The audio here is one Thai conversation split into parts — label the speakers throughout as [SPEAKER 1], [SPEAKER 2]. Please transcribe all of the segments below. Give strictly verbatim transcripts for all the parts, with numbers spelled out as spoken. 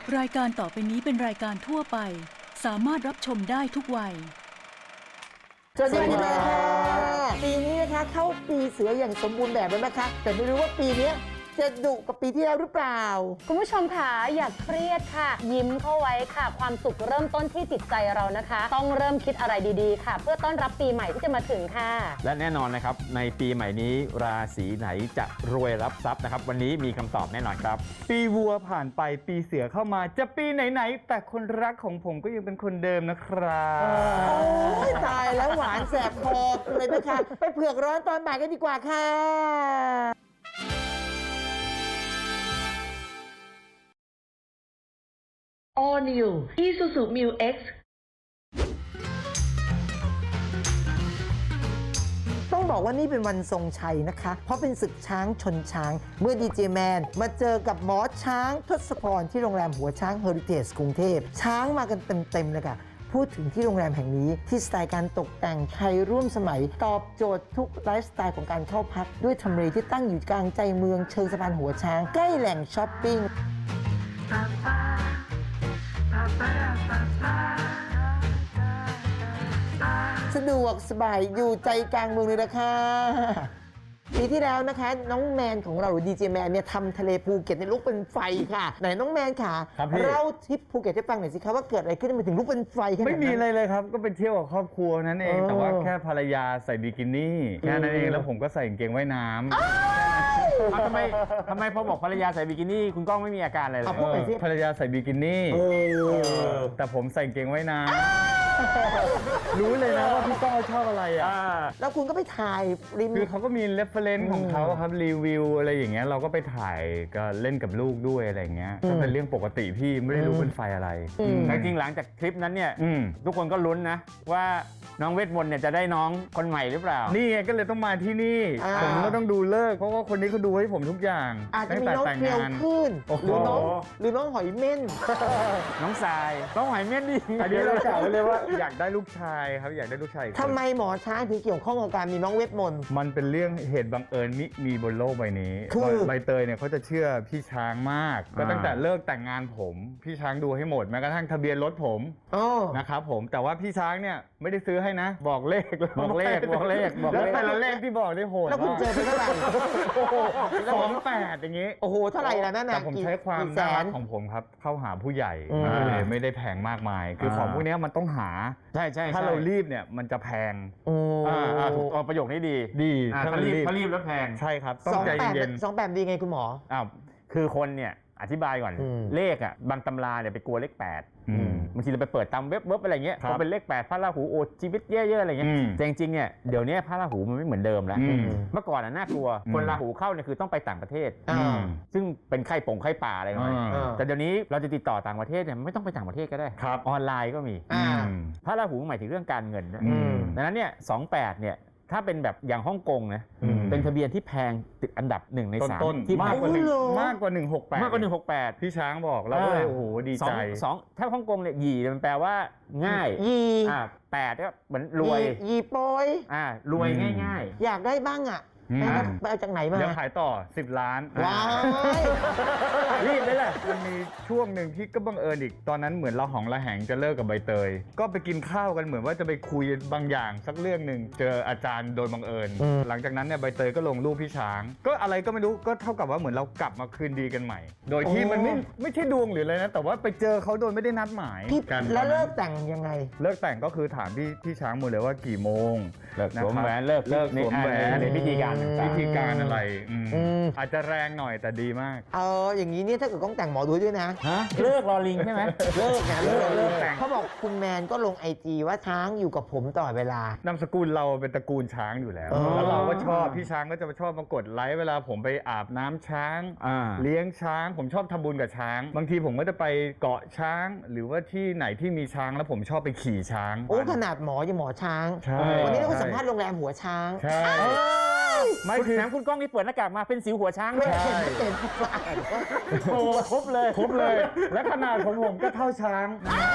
[SPEAKER 1] รายการต่อไปนี้เป็นรายการทั่วไปสามารถรับชมได้ทุกวัย
[SPEAKER 2] สวัสดีค่ะปีนี้นะคะเข้าปีเสืออย่างสมบูรณ์แบบแล้วนะคะแต่ไม่รู้ว่าปีนี้จะดุกับปีที่แล้วหรือเปล่า
[SPEAKER 3] คุณผู้ชมค่ะอย่าเครียดค่ะยิ้มเข้าไว้ค่ะความสุขเริ่มต้นที่จิตใจเรานะคะต้องเริ่มคิดอะไรดีๆค่ะเพื่อต้อนรับปีใหม่ที่จะมาถึงค่ะ
[SPEAKER 4] และแน่นอนนะครับในปีใหม่นี้ราศีไหนจะรวยรับทรัพย์นะครับวันนี้มีคำตอบแน่นอนครับ
[SPEAKER 5] ปีวัวผ่านไปปีเสือเข้ามาจะปีไหนๆแต่คนรักของผมก็ยังเป็นคนเดิมนะครับ
[SPEAKER 2] โอ้ยตายแล้วหวานแสบคอเลยนะคะไปเผือกร้อนตอนบ่ายกันดีกว่าค่ะ
[SPEAKER 6] All New Isuzu Mu X
[SPEAKER 2] ต้องบอกว่านี่เป็นวันทรงชัยนะคะเพราะเป็นศึกช้างชนช้างเมื่อดีเจแมนมาเจอกับหมอช้างทศพรที่โรงแรมหัวช้างเฮอริเทจกรุงเทพช้างมากันเต็มๆเลยค่ะพูดถึงที่โรงแรมแห่งนี้ที่สไตล์การตกแต่งไทยร่วมสมัยตอบโจทย์ทุกไลฟ์สไตล์ของการเข้าพักด้วยทำเลที่ตั้งอยู่กลางใจเมืองเชิงสะพานหัวช้างใกล้แหล่งช้อปปิ้งสะดวกสบายอยู่ใจกลางเมืองเลยนะคะปีที่แล้วนะคะน้องแมนของเราหรือดีเจแมนเนี่ยทำทะเลภูเก็ตในลุกเป็นไฟค่ะไหนน้องแมนค่ะเล่าทริปภูเก็ตให้ฟังหน่อยสิคะว่าเกิดอะไรขึ้นมันถึงลุกเป็นไฟขนาดนั้น
[SPEAKER 5] ไม่มีอะไรเลยครับก็ไปเที่ยวกับครอบครัวนั้นเองแต่ว่าแค่ภรรยาใส่บิกินี่แค่นั้นเองแล้วผมก็ใส่กางเกงว่ายน้ำ
[SPEAKER 4] ทำไมทำไมพอบอกภรรยาใส่บิกินี่คุณก้องไม่มีอาการอะไรเลย
[SPEAKER 5] ภรรยาใส่บิกินี่แต่ผมใส่กางเกงว่ายน้ำรู้เลยนะว่าพี่ก้องชอบอะไรอ่ะ
[SPEAKER 2] แล้วคุณก็ไปถ่ายริม
[SPEAKER 5] คือเขาก็มีเรฟเฟรนซ์ของเขาครับรีวิวอะไรอย่างเงี้ยเราก็ไปถ่ายก็เล่นกับลูกด้วยอะไรอย่างเงี้ยก็เป็นเรื่องปกติพี่ไม่ได้รู้เป็นไฟอะไร
[SPEAKER 4] แต่จริงหลังจากคลิปนั้นเนี่ยทุกคนก็ลุ้นนะว่าน้องเวทมนต์เนี่ยจะได้น้องคนใหม่หรือเปล่า
[SPEAKER 5] นี่ไงก็เลยต้องมาที่นี่ผมก็ต้องดูเลิกเพราะว่าคนนี้เขาดูให้ผมทุกอย่าง
[SPEAKER 2] อาจจะมีน้องเกลียวขึ้นหรือน้องหรือน้องหอยเม่น
[SPEAKER 4] น้องทรายน้องหอยเม่นดิ
[SPEAKER 5] อันนี้เรากล่าวไว้เลยว่าอยากได้ลูกชายครับอยากได้ลูกชาย
[SPEAKER 2] ทำไมหมอช้างถึงเกี่ยวข้องกับการมีน้องเวทมนต์
[SPEAKER 5] มันเป็นเรื่องเหตุบังเอิญมิมีบนโลกใบนี้ใบเตยเนี่ยเขาจะเชื่อพี่ช้างมากก็ตั้งแต่เลิกแต่งงานผมพี่ช้างดูให้หมดแม้กระทั่งทะเบียนรถผมนะครับผมแต่ว่าพี่ช้างเนี่ยไม่ได้ซื้อให้นะบอกเลข
[SPEAKER 4] บอกเลขบอกเลขบอก
[SPEAKER 5] แล้วแต่ละเลขที่บอกได้โหด
[SPEAKER 2] แล้วคุณเจอไปเท่าไหร่
[SPEAKER 5] สองแปดอย่างงี้
[SPEAKER 2] โอ้โหเท่าไหร่ล่ะนั่น
[SPEAKER 5] แต่ผมใช้ความน่ารักของผมครับเข้าหาผู้ใหญ่เลยไม่ได้แพงมากมายคือของพวกนี้มันต้องหา
[SPEAKER 4] ใช่ใช่
[SPEAKER 5] ถ้าเรารีบเนี่ยมันจะแพง
[SPEAKER 4] อ่าถูกประโยคนี้ดี
[SPEAKER 5] ดี
[SPEAKER 4] ถ้ารีบถ้ารีบแล้วแพง
[SPEAKER 5] ใช่ครับต้องใจเย็น
[SPEAKER 2] สองแบบดีไงคุณหมอ
[SPEAKER 4] อ้าวคือคนเนี่ยอธิบายก่อนเลขอ่ะบางตำราเนี่ยไปกลัวเลขแปดบางทีเราไปเปิดตามเว็บเว็บอะไรเงี้ยพอเป็นเลขแปดพระราหูโอชีวิตแย่ๆอะไรเงี้ยแต่จริงๆเนี่ยเดี๋ยวนี้พระราหูมันไม่เหมือนเดิมแล้วเมื่อก่อนน่ากลัวคนราหูเข้าเนี่ยคือต้องไปต่างประเทศซึ่งเป็นไข้ป่งไข้ป่าอะไรหน่อยแต่เดี๋ยวนี้เราจะติดต่อต่างประเทศเนี่ยไม่ต้องไปต่างประเทศก็ได้ออนไลน์ก็มีพระราหูหมายถึงเรื่องการเงินดังนั้นเนี่ยสองแปดเนี่ยถ้าเป็นแบบอย่างฮ่องกงนะเป็นทะเบียนที่แพงติดอันดับหนึ่งในสาม
[SPEAKER 5] ที่มากกว่าหนึ่งมากกว่าหนึ่งหกแปด
[SPEAKER 4] มากกว่าหนึ่งหกแปด
[SPEAKER 5] พี่ช้างบอกแล้วก็เลยโอ้โหดีใจ
[SPEAKER 4] สองถ้าฮ่องกงเนี่ยหยี่มันแปลว่าง่าย
[SPEAKER 2] ยี
[SPEAKER 4] อ่าแปดก็เหมือนรวย
[SPEAKER 2] ยีโปย
[SPEAKER 4] อ่ารวยง่าย
[SPEAKER 2] ๆอยากได้บ้างอ่ะไปเอาจากไหนมา
[SPEAKER 5] เดี๋ยวขายต่อสิบล้าน
[SPEAKER 2] ว้าว
[SPEAKER 5] รีบเลยแหละมันมีช่วงหนึ่งที่ก็บังเอิญอีกตอนนั้นเหมือนเราหองระแหงจะเลิกกับใบเตยก็ไปกินข้าวกันเหมือนว่าจะไปคุยบางอย่างสักเรื่องหนึ่งเจออาจารย์โดยบังเอิญหลังจากนั้นเนี่ยใบเตยก็ลงรูปพี่ช้างก็อะไรก็ไม่รู้ก็เท่ากับว่าเหมือนเรากลับมาคืนดีกันใหม่โดยที่มันไม่ไม่ใช่ดวงหรืออะไรนะแต่ว่าไปเจอเขาโดยไม่ได้นัดหมาย
[SPEAKER 2] กันแล้วเลิกแต่งยังไง
[SPEAKER 5] เลิกแต่งก็คือถามพี่พี่ช้างหมดเลยว่ากี่โมง
[SPEAKER 4] เลิกสวมแหวนเลิก
[SPEAKER 5] เลิกสวมแหวน
[SPEAKER 4] ในพิธีการ
[SPEAKER 5] วิธีการอะไรอาจจะแรงหน่อยแต่ดีมาก
[SPEAKER 2] เอออย่างนี้เนี่ยถ้าเกิดต้องแต่งหมอดูด้วยนะ
[SPEAKER 4] ฮะเลิกรอลิงใช่ไหม
[SPEAKER 2] เลิกนะเลิกเลิกแต่งเขาบอกคุณแมนก็ลงไอจีว่าช้างอยู่กับผมตลอดเวลาน
[SPEAKER 5] ามสกุลเราเป็นตระกูลช้างอยู่แล้วแล้วเราก็ชอบพี่ช้างก็จะชอบมากดไลค์เวลาผมไปอาบน้ำช้างเลี้ยงช้างผมชอบทำบุญกับช้างบางทีผมก็จะไปเกาะช้างหรือว่าที่ไหนที่มีช้างแล้วผมชอบไปขี่ช้าง
[SPEAKER 2] โอ้ขนาดหมอยังหมอช้างวันนี้เราสัมภาษณ์โรงแรมหัวช้าง
[SPEAKER 5] ใช่
[SPEAKER 4] ไม่คือแถมคุณก้องนี่เปิดหน้ากากมาเป็นสิวหัวช้าง
[SPEAKER 2] ด้วยเป็น
[SPEAKER 4] โอ้ครบเลย
[SPEAKER 5] ครบเลยและขนาดของผมก็เท่าช้าง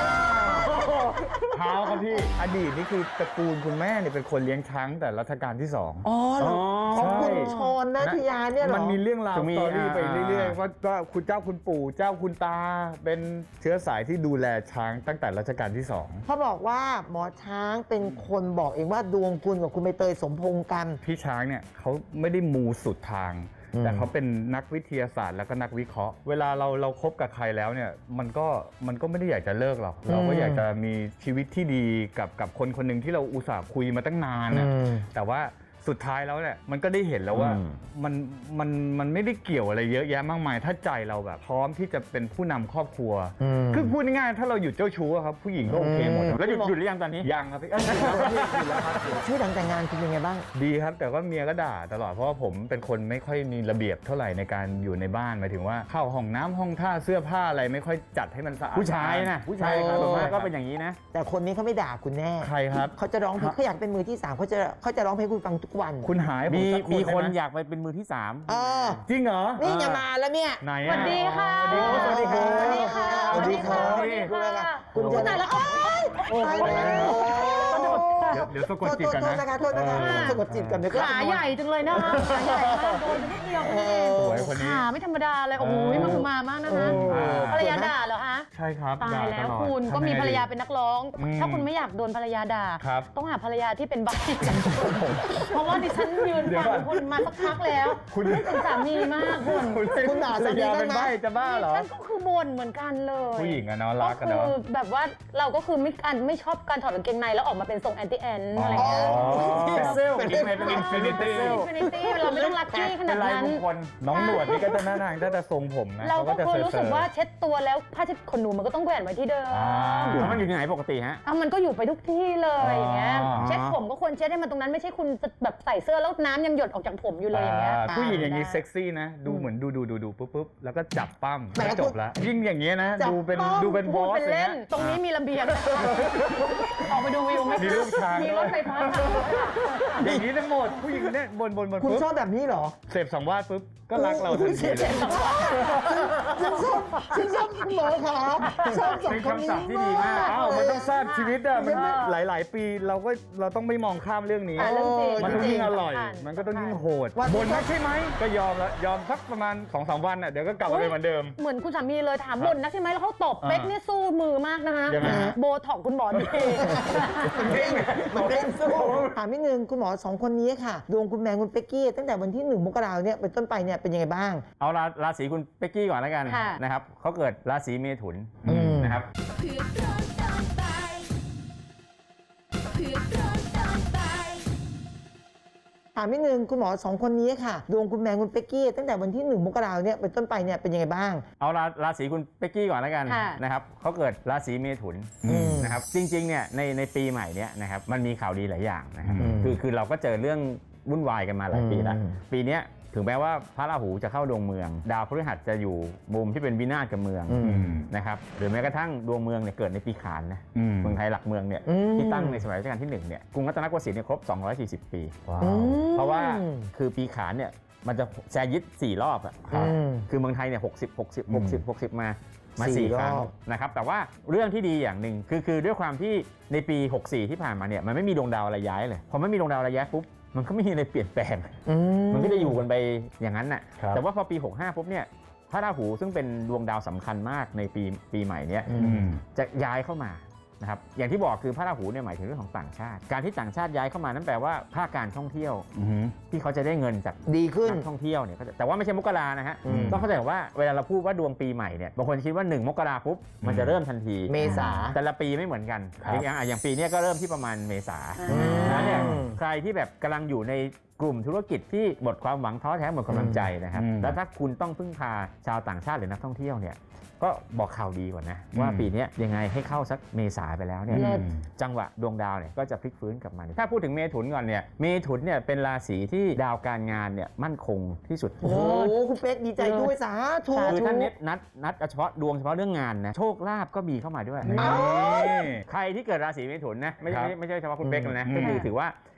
[SPEAKER 5] เท้าครับพี่อดีตนี่คือตระกูลคุณแม่เนี่ยเป็นคนเลี้ยงช้างแต่รัชกาลที่สอง
[SPEAKER 2] อ๋อเหรอของคุณชนนัทยาเนี่ยเหรอ
[SPEAKER 5] มันมีเรื่องราว
[SPEAKER 4] จะมี
[SPEAKER 5] สตอรี่ไป
[SPEAKER 4] อ่า
[SPEAKER 5] เรื่อยๆว่าว่าคุณเจ้าคุณปู่เจ้าคุณตา เป็นเชื้อสายที่ดูแลช้างตั้งแต่รัชกาลที่สอง
[SPEAKER 2] เขาบอกว่าหมอช้างเป็นคนบอกเองว่าดวงคุณกับคุณใบเตยสมพงษ์กัน
[SPEAKER 5] พี่ช้างเนี่ยเขาไม่ได้มูสุดทาง
[SPEAKER 2] อืม
[SPEAKER 5] แต่เขาเป็นนักวิทยาศาสตร์แล้วก็นักวิเคราะห์ เวลาเราเราคบกับใครแล้วเนี่ยมันก็มันก็ไม่ได้อยากจะเลิกหรอกเราก็อยากจะมีชีวิตที่ดีกับกับคนคนหนึ่งที่เราอุตส่าห์คุยมาตั้งนานนะ
[SPEAKER 2] อืม
[SPEAKER 5] แต่ว่าสุดท้ายแล้วเนี่ยมันก็ได้เห็นแล้วว่า
[SPEAKER 4] อืม
[SPEAKER 5] มันมันมันไม่ได้เกี่ยวอะไรเยอะแยะมากมาย ถ้าใจเราแบบพร้อมที่จะเป็นผู้นำครอบครัว
[SPEAKER 2] อืม
[SPEAKER 5] คือพูดง่ายๆถ้าเราหยุดเจ้าชู้อะครับผู้หญิงก็โอเคหมด
[SPEAKER 2] อืม
[SPEAKER 4] แล้วหยุดหยุดหรือยังตอนนี้
[SPEAKER 5] ยังครับพี่เอ้ยหยุดแล้วครับพี่หยุดแล้วครับ
[SPEAKER 2] ชีวิตหลังแต่งงานคุณเป็นไงบ้าง
[SPEAKER 5] ดีครับแต่ว่าเมียก็ด่าตลอดเพราะว่าผมเป็นคนไม่ค่อยมีระเบียบเท่าไหร่ในการอยู่ในบ้านหมายถึงว่าเข้าห้องน้ำห้องท่าเสื้อผ้าอะไรไม่ค่อยจัดให้มันสะอาด
[SPEAKER 4] ผู้ชายนะผู้ชาย
[SPEAKER 2] ใช่ครับ
[SPEAKER 4] ส่วนมากก็เป็นอย่างนี้นะ
[SPEAKER 2] แต่คนนี้เขาไม่ด่าคุณแน่
[SPEAKER 5] ใครครับ
[SPEAKER 2] เขาจะร้องเพลงเขาอยากเป็นมือที่สามเขาจะเขาจะร้องเพลงให้คุณฟังทุกวัน
[SPEAKER 5] คุณหายผม
[SPEAKER 4] มี
[SPEAKER 5] สัก
[SPEAKER 4] มีคน
[SPEAKER 5] ได้ไห
[SPEAKER 4] อยากไปเป็นมือที่สาม
[SPEAKER 2] เออ
[SPEAKER 5] จริงเหรอ
[SPEAKER 2] นี่จะมาแล้วเนี่ย
[SPEAKER 5] ไหน
[SPEAKER 3] สวั
[SPEAKER 5] อะ
[SPEAKER 3] สดีค่ะ
[SPEAKER 5] สวัสดีครับ
[SPEAKER 3] สวัสดีค่ะ
[SPEAKER 2] สวัสดีครับ
[SPEAKER 3] สวัสดีค่ะ
[SPEAKER 2] คุณ
[SPEAKER 3] คุณ
[SPEAKER 2] จะ
[SPEAKER 3] ไหนแล้วโอ๊ย
[SPEAKER 2] โอ้โห
[SPEAKER 5] เดี๋ยวเดี๋ยวสะกดจิตกัน
[SPEAKER 2] โทษ
[SPEAKER 5] นะ
[SPEAKER 2] นะคะโทษนะคะ
[SPEAKER 5] เออ
[SPEAKER 2] สะกดจิตกันเดี๋ยวก็
[SPEAKER 3] ขาใหญ่จังเลยนะคะขาใหญ่มากโดนไปนิดเดียว
[SPEAKER 2] เอ
[SPEAKER 3] นี่
[SPEAKER 2] อ
[SPEAKER 5] สวยคนนี้
[SPEAKER 3] ขาไม่ธรรมดาเลย โอ้โห
[SPEAKER 5] เออ
[SPEAKER 3] มันมามากนะคะ
[SPEAKER 2] เออ
[SPEAKER 3] ภรรยาด่าเหรอคะ
[SPEAKER 5] ใช่ครับ
[SPEAKER 3] ตาย
[SPEAKER 5] ด่
[SPEAKER 3] แล้ว
[SPEAKER 5] ตอด
[SPEAKER 3] คุณ
[SPEAKER 5] ทำ
[SPEAKER 3] ก็มี
[SPEAKER 5] ไง
[SPEAKER 3] ภรรยา
[SPEAKER 5] ดี
[SPEAKER 3] เป็นนักร้อง
[SPEAKER 5] อืม
[SPEAKER 3] ถ้าคุณไม่อยากโดนภรรยาด่า
[SPEAKER 5] ครับ
[SPEAKER 3] ต้องหาภรรยาที่เป็นใบ เพราะว่าดิฉันยืน
[SPEAKER 5] เดี๋ยว
[SPEAKER 3] ฟั
[SPEAKER 5] ก่อง น
[SPEAKER 3] คุณมาสักพักแล้ว
[SPEAKER 5] คุณ
[SPEAKER 3] นึกถึงสามีมากคุณ
[SPEAKER 2] คุณด่า
[SPEAKER 5] ภร
[SPEAKER 2] สาร มี
[SPEAKER 5] ยา
[SPEAKER 2] ได้
[SPEAKER 5] เป็น
[SPEAKER 2] ไหม
[SPEAKER 5] ใบ้จะบ้าเหรอ
[SPEAKER 3] ฉันก็คือบ่นเหมือนกันเลย
[SPEAKER 5] ผู้หญิงอะเนาะรักกัน
[SPEAKER 3] ก็
[SPEAKER 5] เนาะ
[SPEAKER 3] คือแบบว่าเราก็คือไม่การไม่ชอบการถอดกางเกงในแล้วออกมาเป็นทรงแอนตี้แอนอะไรอย่างเงี้ย
[SPEAKER 4] เซลอีกไหนเป็นอินฟินิตี้
[SPEAKER 3] Infinity เราไม่ต้องลักกี้ขนา
[SPEAKER 4] เป็น
[SPEAKER 3] ด
[SPEAKER 4] ลาย
[SPEAKER 3] นั้น
[SPEAKER 4] มงคล
[SPEAKER 5] น้องหนวดนี่ก็จะหน้าทางถ้าจะทรงผมนะ
[SPEAKER 3] เราก็
[SPEAKER 5] จะ
[SPEAKER 3] ควร
[SPEAKER 5] เซอ
[SPEAKER 3] รู้สึก
[SPEAKER 5] ๆ
[SPEAKER 3] ว่าเช็ดตัวแล้วผ้าเช็ดขนหนูมันก็ต้องแขวนไว้ที่เดิม
[SPEAKER 5] อ่า
[SPEAKER 4] แล้วมันอยู่ที่ไหนปกติฮะ
[SPEAKER 3] อ่ะมันก็อยู่ไปทุกที่เลยอย่างเงี้ย
[SPEAKER 5] อ๋อ
[SPEAKER 3] เช็ดผมก็ควรเช็ดให้มันตรงนั้นไม่ใช่คุณจะแบบใส่เสื้อแล้วน้ำยังหยดออกจากผมอยู่เลยอย่างเงี้ย
[SPEAKER 5] อ่าผู้หญิงอย่างนี้
[SPEAKER 3] ได้
[SPEAKER 5] เซ็กซี่นะ ดูเหมือนดูดูดูดูปุ๊บปุ๊บแล้วก็จับปั้ม
[SPEAKER 2] แต่
[SPEAKER 5] แล้วจบแล้ว ยิ่งอย่างเงี้ยนะ
[SPEAKER 2] จับ
[SPEAKER 5] ดูเป็น
[SPEAKER 2] ปั้ม
[SPEAKER 5] ดูเป็นบ
[SPEAKER 3] พู
[SPEAKER 5] อ
[SPEAKER 3] ด
[SPEAKER 5] ส
[SPEAKER 3] เป็น
[SPEAKER 5] อย่าง
[SPEAKER 3] เล่
[SPEAKER 5] เงี้
[SPEAKER 3] น
[SPEAKER 5] ย
[SPEAKER 3] ตรงนี้มีระเบียงออกไปดูวิวไหม
[SPEAKER 5] มีลูกช้าง
[SPEAKER 3] มีรถไฟฟ้าผ่าน
[SPEAKER 5] อย่างนี้ทั้งหมดผู้หญิงเนี่ยบนบนบน
[SPEAKER 2] คุณ
[SPEAKER 5] ปุ๊บ
[SPEAKER 2] ชอบแบบนี้เหรอ
[SPEAKER 5] เสพสังวาสปุ๊บก็รักเราทันทีเลย
[SPEAKER 2] ฉันชอบฉันชอบคุณหมอขาชอบสอง
[SPEAKER 4] เป็น
[SPEAKER 2] คนนี้
[SPEAKER 4] คำศัพท์ที่ดีมาก
[SPEAKER 5] อ้าวมันต้องทราบชีวิตอะมันหลาย ๆ ปีเราก็เราต้องไม่มองข้ามเรื่องนี้
[SPEAKER 3] อ่ะเรื่องจริง
[SPEAKER 5] มันต้องยิ่งอร่อย
[SPEAKER 3] สำคัญ
[SPEAKER 5] มันก็ต้องยิ่งโหด
[SPEAKER 2] วันนี้
[SPEAKER 5] บนนักใช่ไหมก็ยอมแล้วยอมสักประมาณสองสามวันอ่ะเดี๋ยวก็กลับมาเป็นเหมือนเดิม
[SPEAKER 3] เหมือนคุณสามีเลยถามบ่นนักใช่ไหมแล้วเขาตบ
[SPEAKER 5] อ่า
[SPEAKER 3] เป๊กเนี่ยสู้มือมากนะคะ
[SPEAKER 5] ยังไงฮะ
[SPEAKER 3] โบท็อกคุณหมอดี
[SPEAKER 2] มันเล่นสู้ถามนิดนึงคุณหมอสองคนนี้ค่ะ ดวงคุณแมงคุณเป๊กกี้ตั้งแต่วันที่หนึ่งมกราเนี่ยเป็นต้นไปเนี่ยเป็นยังไงบ้าง
[SPEAKER 4] เอาราราศีคุณเป๊กกี้ก่อนแล้วกัน
[SPEAKER 3] ค่ะ
[SPEAKER 4] นะครับเขาเกิดราศีเมถุน
[SPEAKER 2] อืม
[SPEAKER 4] นะครับ
[SPEAKER 7] เพื่อนร้อนตอนบ่ายเพื่อนร้อนตอนบ่าย
[SPEAKER 2] ถามนิดนึงคุณหมอสองคนนี้ค่ะ ดวงคุณแมงคุณเป๊กกี้ตั้งแต่วันที่หนึ่งมกราเนี่ยเป็นต้นไปเนี่ยเป็นยังไงบ้าง
[SPEAKER 4] เอาราราศีคุณเป๊กกี้ก่อนแล้วกัน
[SPEAKER 3] ค่ะ
[SPEAKER 4] นะครับเขาเกิดราศีเมถุน
[SPEAKER 2] อืม
[SPEAKER 4] นะครับจริงๆเนี่ยในในปีใหม่เนี่ยนะครับมันมีข่าวดีหลายอย่างนะครับ
[SPEAKER 2] อืม
[SPEAKER 4] คือคือเราก็เจอเรื่องวุ่นวายกันมาหลายปีแล้ว
[SPEAKER 2] อืม
[SPEAKER 4] ปีเนี้ยถึงแม้ว่าพระราหูจะเข้าดวงเมือง ดาวพฤหัสจะอยู่มุมที่เป็นวินาศกับเมือง
[SPEAKER 2] อืม
[SPEAKER 4] นะครับหรือแม้กระทั่งดวงเมืองเนี่ยเกิดในปีขานนะ
[SPEAKER 5] อืม
[SPEAKER 4] เมืองไทยหลักเมืองเนี่ย
[SPEAKER 2] อืม
[SPEAKER 4] ที่ตั้งในสมัยรัชกาลที่หนึ่งเนี่ยกรุงรัตนโกสินทร์เนี่ยครบ สองร้อยสี่สิบ ปี
[SPEAKER 2] อืม
[SPEAKER 4] เพราะว่าคือปีขานเนี่ยมันจะแซยิดสี่รอบอะ
[SPEAKER 2] อืม
[SPEAKER 4] คือเมืองไทยเนี่ยหกสิบ หกสิบ หกสิบ หกสิบมามา
[SPEAKER 2] สี่
[SPEAKER 4] สี่ครั้ง
[SPEAKER 2] รอบ
[SPEAKER 4] นะครับแต่ว่าเรื่องที่ดีอย่างหนึ่งคือคือด้วยความที่ในปี หกสี่ ที่ผ่านมาเนี่ยมันไม่มีดวงดาวอะไรย้ายเลยพอไม่มีดวงดาวอะไรย้ายปุ๊บมันก็ไม่มีอะไรเปลี่ยนแปลง
[SPEAKER 2] อื
[SPEAKER 4] มันก็จะอยู่กันไปอย่างนั้นน่ะ
[SPEAKER 5] ครับ
[SPEAKER 4] แต่ว่าพอปี หกห้า ปุ๊บเนี่ยพระราหูซึ่งเป็นดวงดาวสำคัญมากในปีปีใหม่เนี้ย
[SPEAKER 2] อื
[SPEAKER 5] อืม
[SPEAKER 4] จะย้ายเข้ามานะครับอย่างที่บอกคือพระราหูเนี่ยหมายถึงเรื่องของต่างชาติ การที่ต่างชาติย้ายเข้ามานั่นแปลว่าภาคการท่องเที่ยว
[SPEAKER 5] อืม
[SPEAKER 4] ที่เขาจะได้เงินจาก
[SPEAKER 2] ดีขึ้น
[SPEAKER 4] นักท่องเที่ยวเนี่ยก็จะแต่ว่าไม่ใช่มกรานะฮะ
[SPEAKER 2] อืม
[SPEAKER 4] ต้องเข้าใจว่าเวลาเราพูดว่าดวงปีใหม่เนี่ยบางคนคิดว่าหนึ่งมกราปุ๊บมันจะเริ่มทันที
[SPEAKER 2] เมษา
[SPEAKER 4] แต่ละปีไม่เหมือนกัน
[SPEAKER 5] ครับ
[SPEAKER 4] อย่างอ่ะอย่างปีเนี้ยก็เริ่มที่ประมาณเมษา
[SPEAKER 3] อืม
[SPEAKER 4] ดังนั้นเนี่ย
[SPEAKER 2] อืม
[SPEAKER 4] ใครที่แบบกำลังอยู่ในกลุ่มธุรกิจที่หมดความหวังท้อแท้หมดกำลังใจนะครับ
[SPEAKER 5] อืม
[SPEAKER 4] แล้วถ้าคุณต้องพึ่งพาชาวต่างชาติหรือนักท่องเที่ยวเนี่ยก็บอกข่าวดีก่อนนะว่า
[SPEAKER 5] อืม
[SPEAKER 4] ปีเนี้ยยังไงให้เข้าสักเมษาไปแล้วเนี่ย
[SPEAKER 3] เลิศ
[SPEAKER 4] จังหวะดวงดาวเนี่ยก็จะพลิกฟื้นกลับมา ถ้าพูดถึงเมถุนก่อนเนี่ยเมถุนเนี่ยเป็นราศีที่ดาวการงานเนี่ยมั่นคงที่สุด
[SPEAKER 2] โอ้โหคุณเป๊กดีใจด้วยสาธุ
[SPEAKER 4] คือท่านเน็ตนัดนัดเฉพาะดวงเฉพาะเรื่องงานนะโชคลาภก็มีเข้ามาด้วย
[SPEAKER 5] นี่
[SPEAKER 4] ใครที่เกิดราศีเมถุนนะไม่ใช่
[SPEAKER 5] ครับ
[SPEAKER 4] ไม่ไม่ใช่เฉพาะคุณเป๊กเลยนะ
[SPEAKER 5] อืม
[SPEAKER 4] ก็คือถือว่า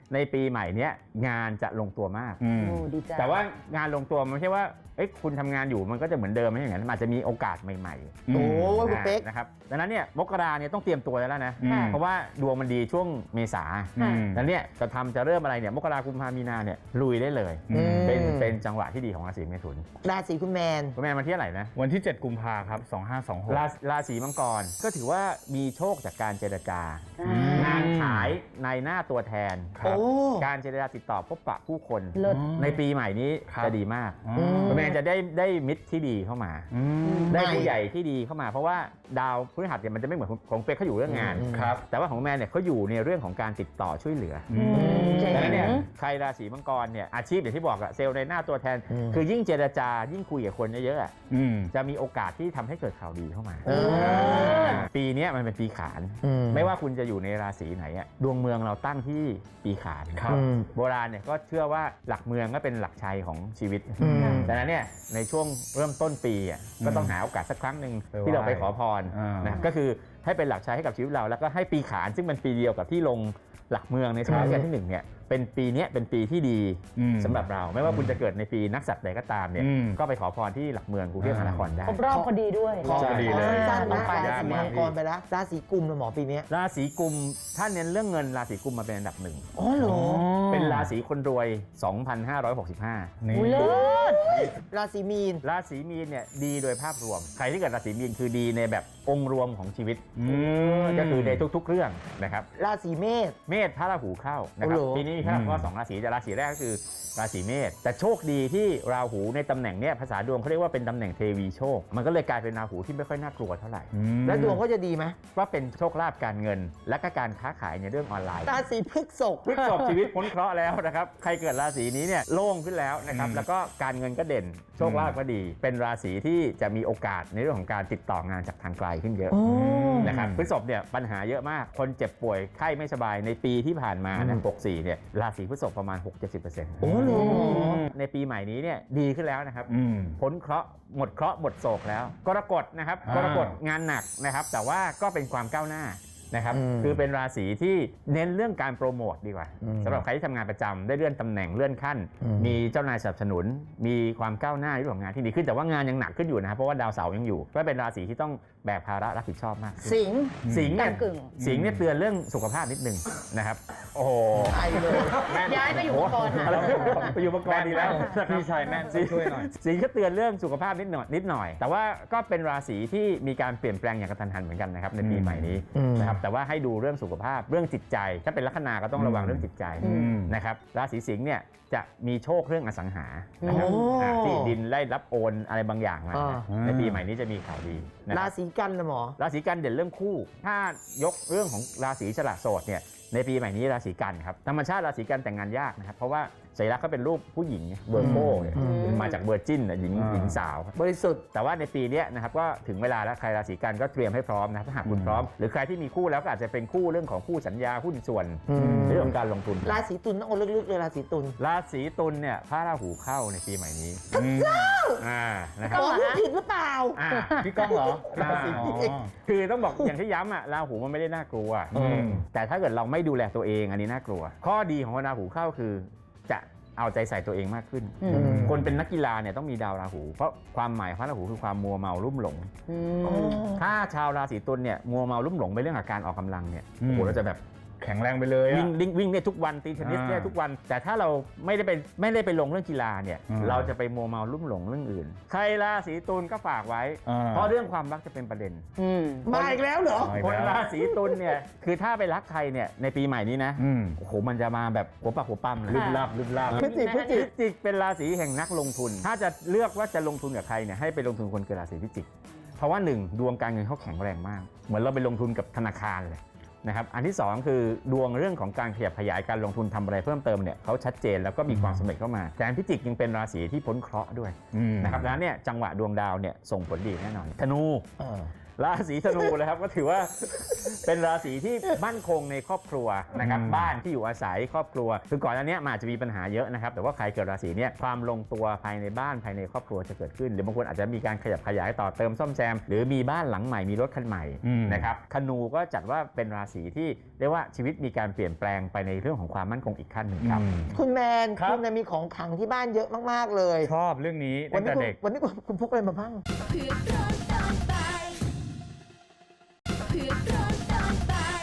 [SPEAKER 4] ในปีใหม่เนี้ยงานจะลงตัวมาก
[SPEAKER 5] อืม
[SPEAKER 3] โอ้ดีใจ
[SPEAKER 4] แต่ว่างานลงตัวมันไม่ใช่ว่าเอ้ยคุณทำงานอยู่มันก็จะเหมือนเดิมไม่ใช่อย่างนั้นมันอาจจะมีโอกาสใหม่ๆ
[SPEAKER 2] โอ้ยคุณ
[SPEAKER 4] อ่า
[SPEAKER 2] เป๊ก
[SPEAKER 4] นะครับดังนั้นเนี่ยมกราเนี่ยต้องเตรียมตัวแล้วนะ
[SPEAKER 5] อืม
[SPEAKER 4] เพราะว่าดวงมันดีช่วงเมษา
[SPEAKER 5] อืม
[SPEAKER 4] แล้วเนี่ยจะทำจะเริ่มอะไรเนี่ยมกราคมพามีนาเนี่ยลุยได้เลย
[SPEAKER 5] อืม
[SPEAKER 4] เป็นเป็นจังหวะที่ดีของราศีเมถุน
[SPEAKER 2] ราศีคุณแมน
[SPEAKER 4] คุณแม่มาที่เท่าไหร่นะ
[SPEAKER 5] วันที่ เจ็ด กุมภาครับ สองห้าสองหก
[SPEAKER 4] ราราศีมังกรก็ถือว่ามีโชคจากการเจรจา
[SPEAKER 3] อ่าง
[SPEAKER 4] านขายในหน้าตัวแทน
[SPEAKER 5] ครับ
[SPEAKER 2] โอ้
[SPEAKER 4] การเจรจาติดต่อพบปะผู้คน
[SPEAKER 3] เลิศ
[SPEAKER 4] ในปีใหม่นี้
[SPEAKER 5] ครับ
[SPEAKER 4] จะดีมาก
[SPEAKER 5] อื
[SPEAKER 2] ม
[SPEAKER 4] คุณแม่จะได้ได้มิตรที่ดีเข้ามา
[SPEAKER 5] อืม
[SPEAKER 4] ได้
[SPEAKER 2] ไม่
[SPEAKER 4] ผู้ใหญ่ที่ดีเข้ามาเพราะว่าดาวพฤหัสเนี่ยมันจะไม่เหมือนของของเป๊กเขาอยู่เรื่องงาน
[SPEAKER 2] อืม
[SPEAKER 5] ครับ
[SPEAKER 4] แต่ว่าของแมนเนี่ยเขาอยู่ในเรื่องของการติดต่อช่วยเหลือ
[SPEAKER 5] อืม
[SPEAKER 3] เจ๋ง
[SPEAKER 4] ดังนั้นเนี่ยใครราศีมังกรเนี่ยอาชีพอย่างที่บอกอะเซลล์ในหน้าตัวแทน
[SPEAKER 2] อืม
[SPEAKER 4] คือยิ่งเจรจายิ่งคุยกับคนเยอะๆอะ
[SPEAKER 5] อืม
[SPEAKER 4] จะมีโอกาสที่ทำให้เกิดข่าวดีเข้ามา
[SPEAKER 2] เออ
[SPEAKER 4] ปีเนี้ยมันเป็นปีขาน
[SPEAKER 2] อื
[SPEAKER 4] ไม่ว่าคุณจะอยู่ในราศีไหนอะดวงเมืองเราตั้งที่ปีขาน
[SPEAKER 5] ครับ
[SPEAKER 2] อืม
[SPEAKER 4] โบราณเนี่ยก็เชื่อว่าหลักเมืองก็เป็นหลักชัยของชีวิต
[SPEAKER 2] อืม
[SPEAKER 4] ดังนั้นเนี่ยในช่วงเริ่มต้นปีอ่ะก็ต้องหาโอกาสสักครั้งหนึ่ง
[SPEAKER 5] ไปไหว้
[SPEAKER 4] ที่เราไปขอพร
[SPEAKER 5] อ่าน
[SPEAKER 4] นะก็คือให้เป็นหลักชัยให้กับชีวิตเรา แล้วก็ให้ปีขานซึ่งเป็นปีเดียวกับที่ลงหลักเมืองในสมัยรัชกาลที่หนึ่งเนี่ยเป็นปีเนี้ยเป็นปีที่ดี
[SPEAKER 5] อืม
[SPEAKER 4] สำหรับเรา ไม่ว่าคุณจะเกิดในปีนักษัตว์ใดก็ตามเนี่ย
[SPEAKER 5] อืม
[SPEAKER 4] ก็ไปขอพรที่หลักเมืองกรุงเทพมหานครได้
[SPEAKER 3] ครบรอบพอดีด้วย
[SPEAKER 2] ขอ
[SPEAKER 5] ใช่ดีเลย
[SPEAKER 2] สั้นๆ
[SPEAKER 3] ต้อ
[SPEAKER 2] นะ
[SPEAKER 3] งไป
[SPEAKER 2] ราศี
[SPEAKER 5] ยาก
[SPEAKER 2] มั
[SPEAKER 5] มาก
[SPEAKER 2] งกรไปแล้วราศีกุมนะหมอปีเนี้ย
[SPEAKER 4] ราศีกุมถ้าเน้นเรื่องเงินราศีกุมมาเป็นอันดับหนึ่ง
[SPEAKER 2] อ๋อเหรอ
[SPEAKER 4] เป็นราศีคนรวย สองพันห้าร้อยหกสิบห้า
[SPEAKER 5] นี่
[SPEAKER 3] อุ้ยเลิศ
[SPEAKER 2] ราศีมีน
[SPEAKER 4] ราศีมีนเนี่ยดีโดยภาพรวม ใครที่เกิดราศีมีนคือดีในแบบองค์รวมของชีวิต
[SPEAKER 5] อืม
[SPEAKER 4] ก็คือในทุกๆเรื่องนะครับ
[SPEAKER 2] ราศีเมษ
[SPEAKER 4] เมษพระราหูเข้านะครับ
[SPEAKER 2] โอ้โห
[SPEAKER 4] ปีนี้มีพระราหู
[SPEAKER 5] อืม
[SPEAKER 4] ก็สองราศีแต่ราศีแรกก็คือราศีเมษแต่โชคดีที่ราหูในตำแหน่งเนี้ยภาษาดวงเขาเรียกว่าเป็นตำแหน่งเทวีโชค มันก็เลยกลายเป็นราหูที่ไม่ค่อยน่ากลัวเท่าไหร่
[SPEAKER 5] อืม
[SPEAKER 2] แล้วดวงก็จะดีไหม
[SPEAKER 4] ว่าเป็นโชคลาภการเงิน และก็การค้าขายในเรื่องออนไลน์
[SPEAKER 2] ราศีพฤษภ
[SPEAKER 4] พฤษภชีวิตพ้นเคราะห์แล้วนะครับใครเกิดราศีนี้เนี่ยโล่งขึ้นแล้วนะครับ
[SPEAKER 5] อืม
[SPEAKER 4] แล้วก็การเงินก็เด่นโชคลาภก็ดี เป็นราศีที่จะมีโอกาสในเรื่องของการติดต่องานจากทางไกลขึ้นเยอะ
[SPEAKER 2] โอ้
[SPEAKER 4] นะครับพฤษภเนี่ยปัญหาเยอะมาก คนเจ็บป่วยไข้ไม่สบายในปีที่ผ่านมานะหกสี่เนี่ยราศีพฤษภประมาณ หกถึงเจ็ดสิบเปอร์เซ็นต์
[SPEAKER 2] โอ้เหรอ
[SPEAKER 4] ในปีใหม่นี้เนี่ยดีขึ้นแล้วนะครับ
[SPEAKER 5] อืม
[SPEAKER 4] พ้นเคราะห์หมดเคราะห์หมดโศกแล้ว กรกฎนะครับ
[SPEAKER 5] อ่าก
[SPEAKER 4] รกฎงานหนักนะครับ แต่ว่าก็เป็นความก้าวหน้านะครับ
[SPEAKER 2] อืม
[SPEAKER 4] คือเป็นราศีที่เน้นเรื่องการโปรโมทดีกว่า
[SPEAKER 2] อืม
[SPEAKER 4] สำหรับใครที่ทำงานประจำได้เลื่อนตำแหน่งเลื่อนขั้น
[SPEAKER 2] อืม
[SPEAKER 4] มีเจ้านายสนับสนุน มีความก้าวหน้าในเรื่องของงานที่ดีขึ้นแต่ว่างานยังหนักขึ้นอยู่นะครับเพราะว่าดาวเสาร์ยังอยู่ก็เป็นราศีที่ต้องแบกภาระรับผิดชอบมากขึ้น
[SPEAKER 2] สิงห์
[SPEAKER 4] สิงห์เนี่ย
[SPEAKER 3] กึ่ง
[SPEAKER 4] สิงห์เนี่ยเตือนเรื่องสุขภาพนิดนึงนะครับโอ้โห
[SPEAKER 2] ไอเลย
[SPEAKER 3] ย้ายไปอยู่มังกรค่ะ
[SPEAKER 4] อะไรไปอยู่มังกรดีแล้ว
[SPEAKER 5] พี่ชายแม่นช่วยหน่อย
[SPEAKER 4] สิงห์ก็เตือนเรื่องสุขภาพนิดหน่อยนิดหน่อย แต่ว่าก็เป็นราศีที่มีการเปลี่ยนแปลงอย่างกระทันหันเหมือนกันนะครับในปี
[SPEAKER 5] อืม
[SPEAKER 4] ใหม่นี้
[SPEAKER 2] อืม
[SPEAKER 4] นะครับแต่ว่าให้ดูเรื่องสุขภาพเรื่องจิตใจ ถ้าเป็นลัคนาก็ต้องระวัง
[SPEAKER 5] อืม
[SPEAKER 4] เรื่องจิตใจ
[SPEAKER 5] อืม
[SPEAKER 4] นะครับราศีสิงห์เนี่ยจะมีโชคเรื่องอสังหานะครับ
[SPEAKER 2] โอ้
[SPEAKER 4] อ่าที่ดินได้รับโอนอะไรบางอย่างมา
[SPEAKER 2] อ่า
[SPEAKER 4] ในปีใหม่นี้จะมีข่าวดีนะค
[SPEAKER 2] รา
[SPEAKER 4] รับ
[SPEAKER 2] ศีกันนะหมอ
[SPEAKER 4] ราศีกันเด่นเรื่องคู่ ถ้ายกเรื่องของราศีฉลาดโสดเนี่ยในปีใหม่นี้ราศีกันครับธรรมชาติราศีกันแต่งงานยากนะครับเพราะว่าสัญลักษณ์เขาเป็นรูปผู้หญิงเวอร์โคเนี่ย
[SPEAKER 2] อืม
[SPEAKER 4] มาจากเวอร์จินน่ะหญิง
[SPEAKER 5] อ่า
[SPEAKER 4] หญิงสาว
[SPEAKER 2] บริสุทธิ์
[SPEAKER 4] แต่ว่าในปีเนี้ยนะครับก็ถึงเวลาแล้วใครราศีกันก็เตรียมให้พร้อมนะครับถ้าหากคุณพร้อม หรือใครที่มีคู่แล้วก็อาจจะเป็นคู่เรื่องของคู่สัญญาหุ้นส่วน
[SPEAKER 2] อืม
[SPEAKER 4] เรื่องของการลงทุน
[SPEAKER 2] ราศีตุลต้องเอาลึกๆเลยราศีตุล
[SPEAKER 4] ราศีตุลเนี่ยพระราหูเข้าในปีใหม่นี้อ่านะค
[SPEAKER 2] ห
[SPEAKER 4] รับ
[SPEAKER 2] มอพูดผิดหรือเปล่า
[SPEAKER 4] อ่า
[SPEAKER 5] พี่ก้องเหรอ
[SPEAKER 4] ราศี
[SPEAKER 5] อ๋อ
[SPEAKER 4] คือต้องบอกอย่างที่ย้ำอ่ะราหูมันไม่ได้น่ากลัว
[SPEAKER 5] อืม
[SPEAKER 4] แต่ถ้าเกิดเราไม่ดูแลตัวเองอันนี้น่ากลัว ข้อดีของราหูเข้าคือจะเอาใจใส่ตัวเองมากขึ้น
[SPEAKER 3] อืม
[SPEAKER 4] คนเป็นนักกีฬาเนี่ยต้องมีดาวราหู เพราะความหมายของพระราหูคือความมัวเมาลุ่มหลง
[SPEAKER 3] อืม
[SPEAKER 4] ถ้าชาวราศีตุลเนี่ยมัวเมาลุ่มหลงไปเรื่องอาการออกกำลังเนี่ย
[SPEAKER 5] อืม
[SPEAKER 4] โอ้โหเราจะแบบ
[SPEAKER 5] แข็งแรงไปเลย
[SPEAKER 4] วิ่
[SPEAKER 5] อะ
[SPEAKER 4] งวิ่งวิ่งเนี่ยทุกวันตีเทนนิสเนี่ย
[SPEAKER 5] อ่า
[SPEAKER 4] ทุกวัน แต่ถ้าเราไม่ได้ไปไม่ได้ไปลงเรื่องกีฬาเนี่ย
[SPEAKER 5] อืม
[SPEAKER 4] เราจะไปมัวเมาลุ่มหลงเรื่องอื่น ใครราศีตุลก็ฝากไว้
[SPEAKER 5] อ่า
[SPEAKER 4] เพราะเรื่องความรักจะเป็นประเด็น
[SPEAKER 3] อืม
[SPEAKER 2] มาอีกแล้วเหรอ
[SPEAKER 5] มาอีก
[SPEAKER 4] คน
[SPEAKER 5] แล้ว
[SPEAKER 4] ราศีตุลเนี่ยคือถ้าไปรักใครเนี่ยในปีใหม่นี้นะ
[SPEAKER 5] อืม
[SPEAKER 4] โอ้โหมันจะมาแบบหัวปากหัวปั๊มเลย
[SPEAKER 5] ลึกลับลึกลับ
[SPEAKER 2] พฤศจิกพฤศ
[SPEAKER 4] พิ
[SPEAKER 2] จิก
[SPEAKER 4] จิกเป็นราศีแห่งนักลงทุน ถ้าจะเลือกว่าจะลงทุนกับใครเนี่ยให้ไปลงทุนคนเกิดราศีพิจิก เพราะว่าหนึ่งดวงการเงินเขาแข็งแรงมาก เหมือนเราไปลงทุนกับธนาคารเลยนะครับอันที่สองคือดวงเรื่องของการขยับขยายการลงทุนทำอะไรเพิ่มเติมเนี่ยเขาชัดเจนแล้วก็มีความสำเร็จเข้ามาแต่พิจิกยังเป็นราศีที่พ้นเคราะห์ด้วย
[SPEAKER 5] อืม
[SPEAKER 4] นะครับดังนั้นเนี่ยจังหวะดวงดาวเนี่ยส่งผลดีแน่นอนธนู
[SPEAKER 2] อ่า
[SPEAKER 4] ราศีธนูเลยครับก็ถือว่าเป็นราศีที่มั่นคงในครอบครัวนะครับบ้านที่อยู่อาศัยครอบครัวคือก่อนอันนี้มันอาจจะมีปัญหาเยอะนะครับแต่ว่าใครเกิดราศีเนี้ยความลงตัวภายในบ้านภายในครอบครัวจะเกิดขึ้นหรือบางคนอาจจะมีการขยับขยายต่อเติมซ่อมแซมหรือมีบ้านหลังใหม่มีรถคันใหม่นะครับธนูก็จัดว่าเป็นราศีที่เรียกว่าชีวิตมีการเปลี่ยนแปลงไปในเรื่องของความมั่นคงอีกขั้นหนึ่งครับ
[SPEAKER 2] คุณแมนคุณเนี่ยมีของขลังที่บ้านเยอะมากๆเลย
[SPEAKER 5] ชอบเรื่องนี้
[SPEAKER 2] วั
[SPEAKER 5] ตั้
[SPEAKER 2] น
[SPEAKER 5] ง
[SPEAKER 2] นี้คุณ
[SPEAKER 5] แต่เด็ก
[SPEAKER 2] วันนี้คุณคุณพกอะไรมาบ้าง
[SPEAKER 7] เผือกร้อนตอนบ่ายเผือกร้อนตอนบ่าย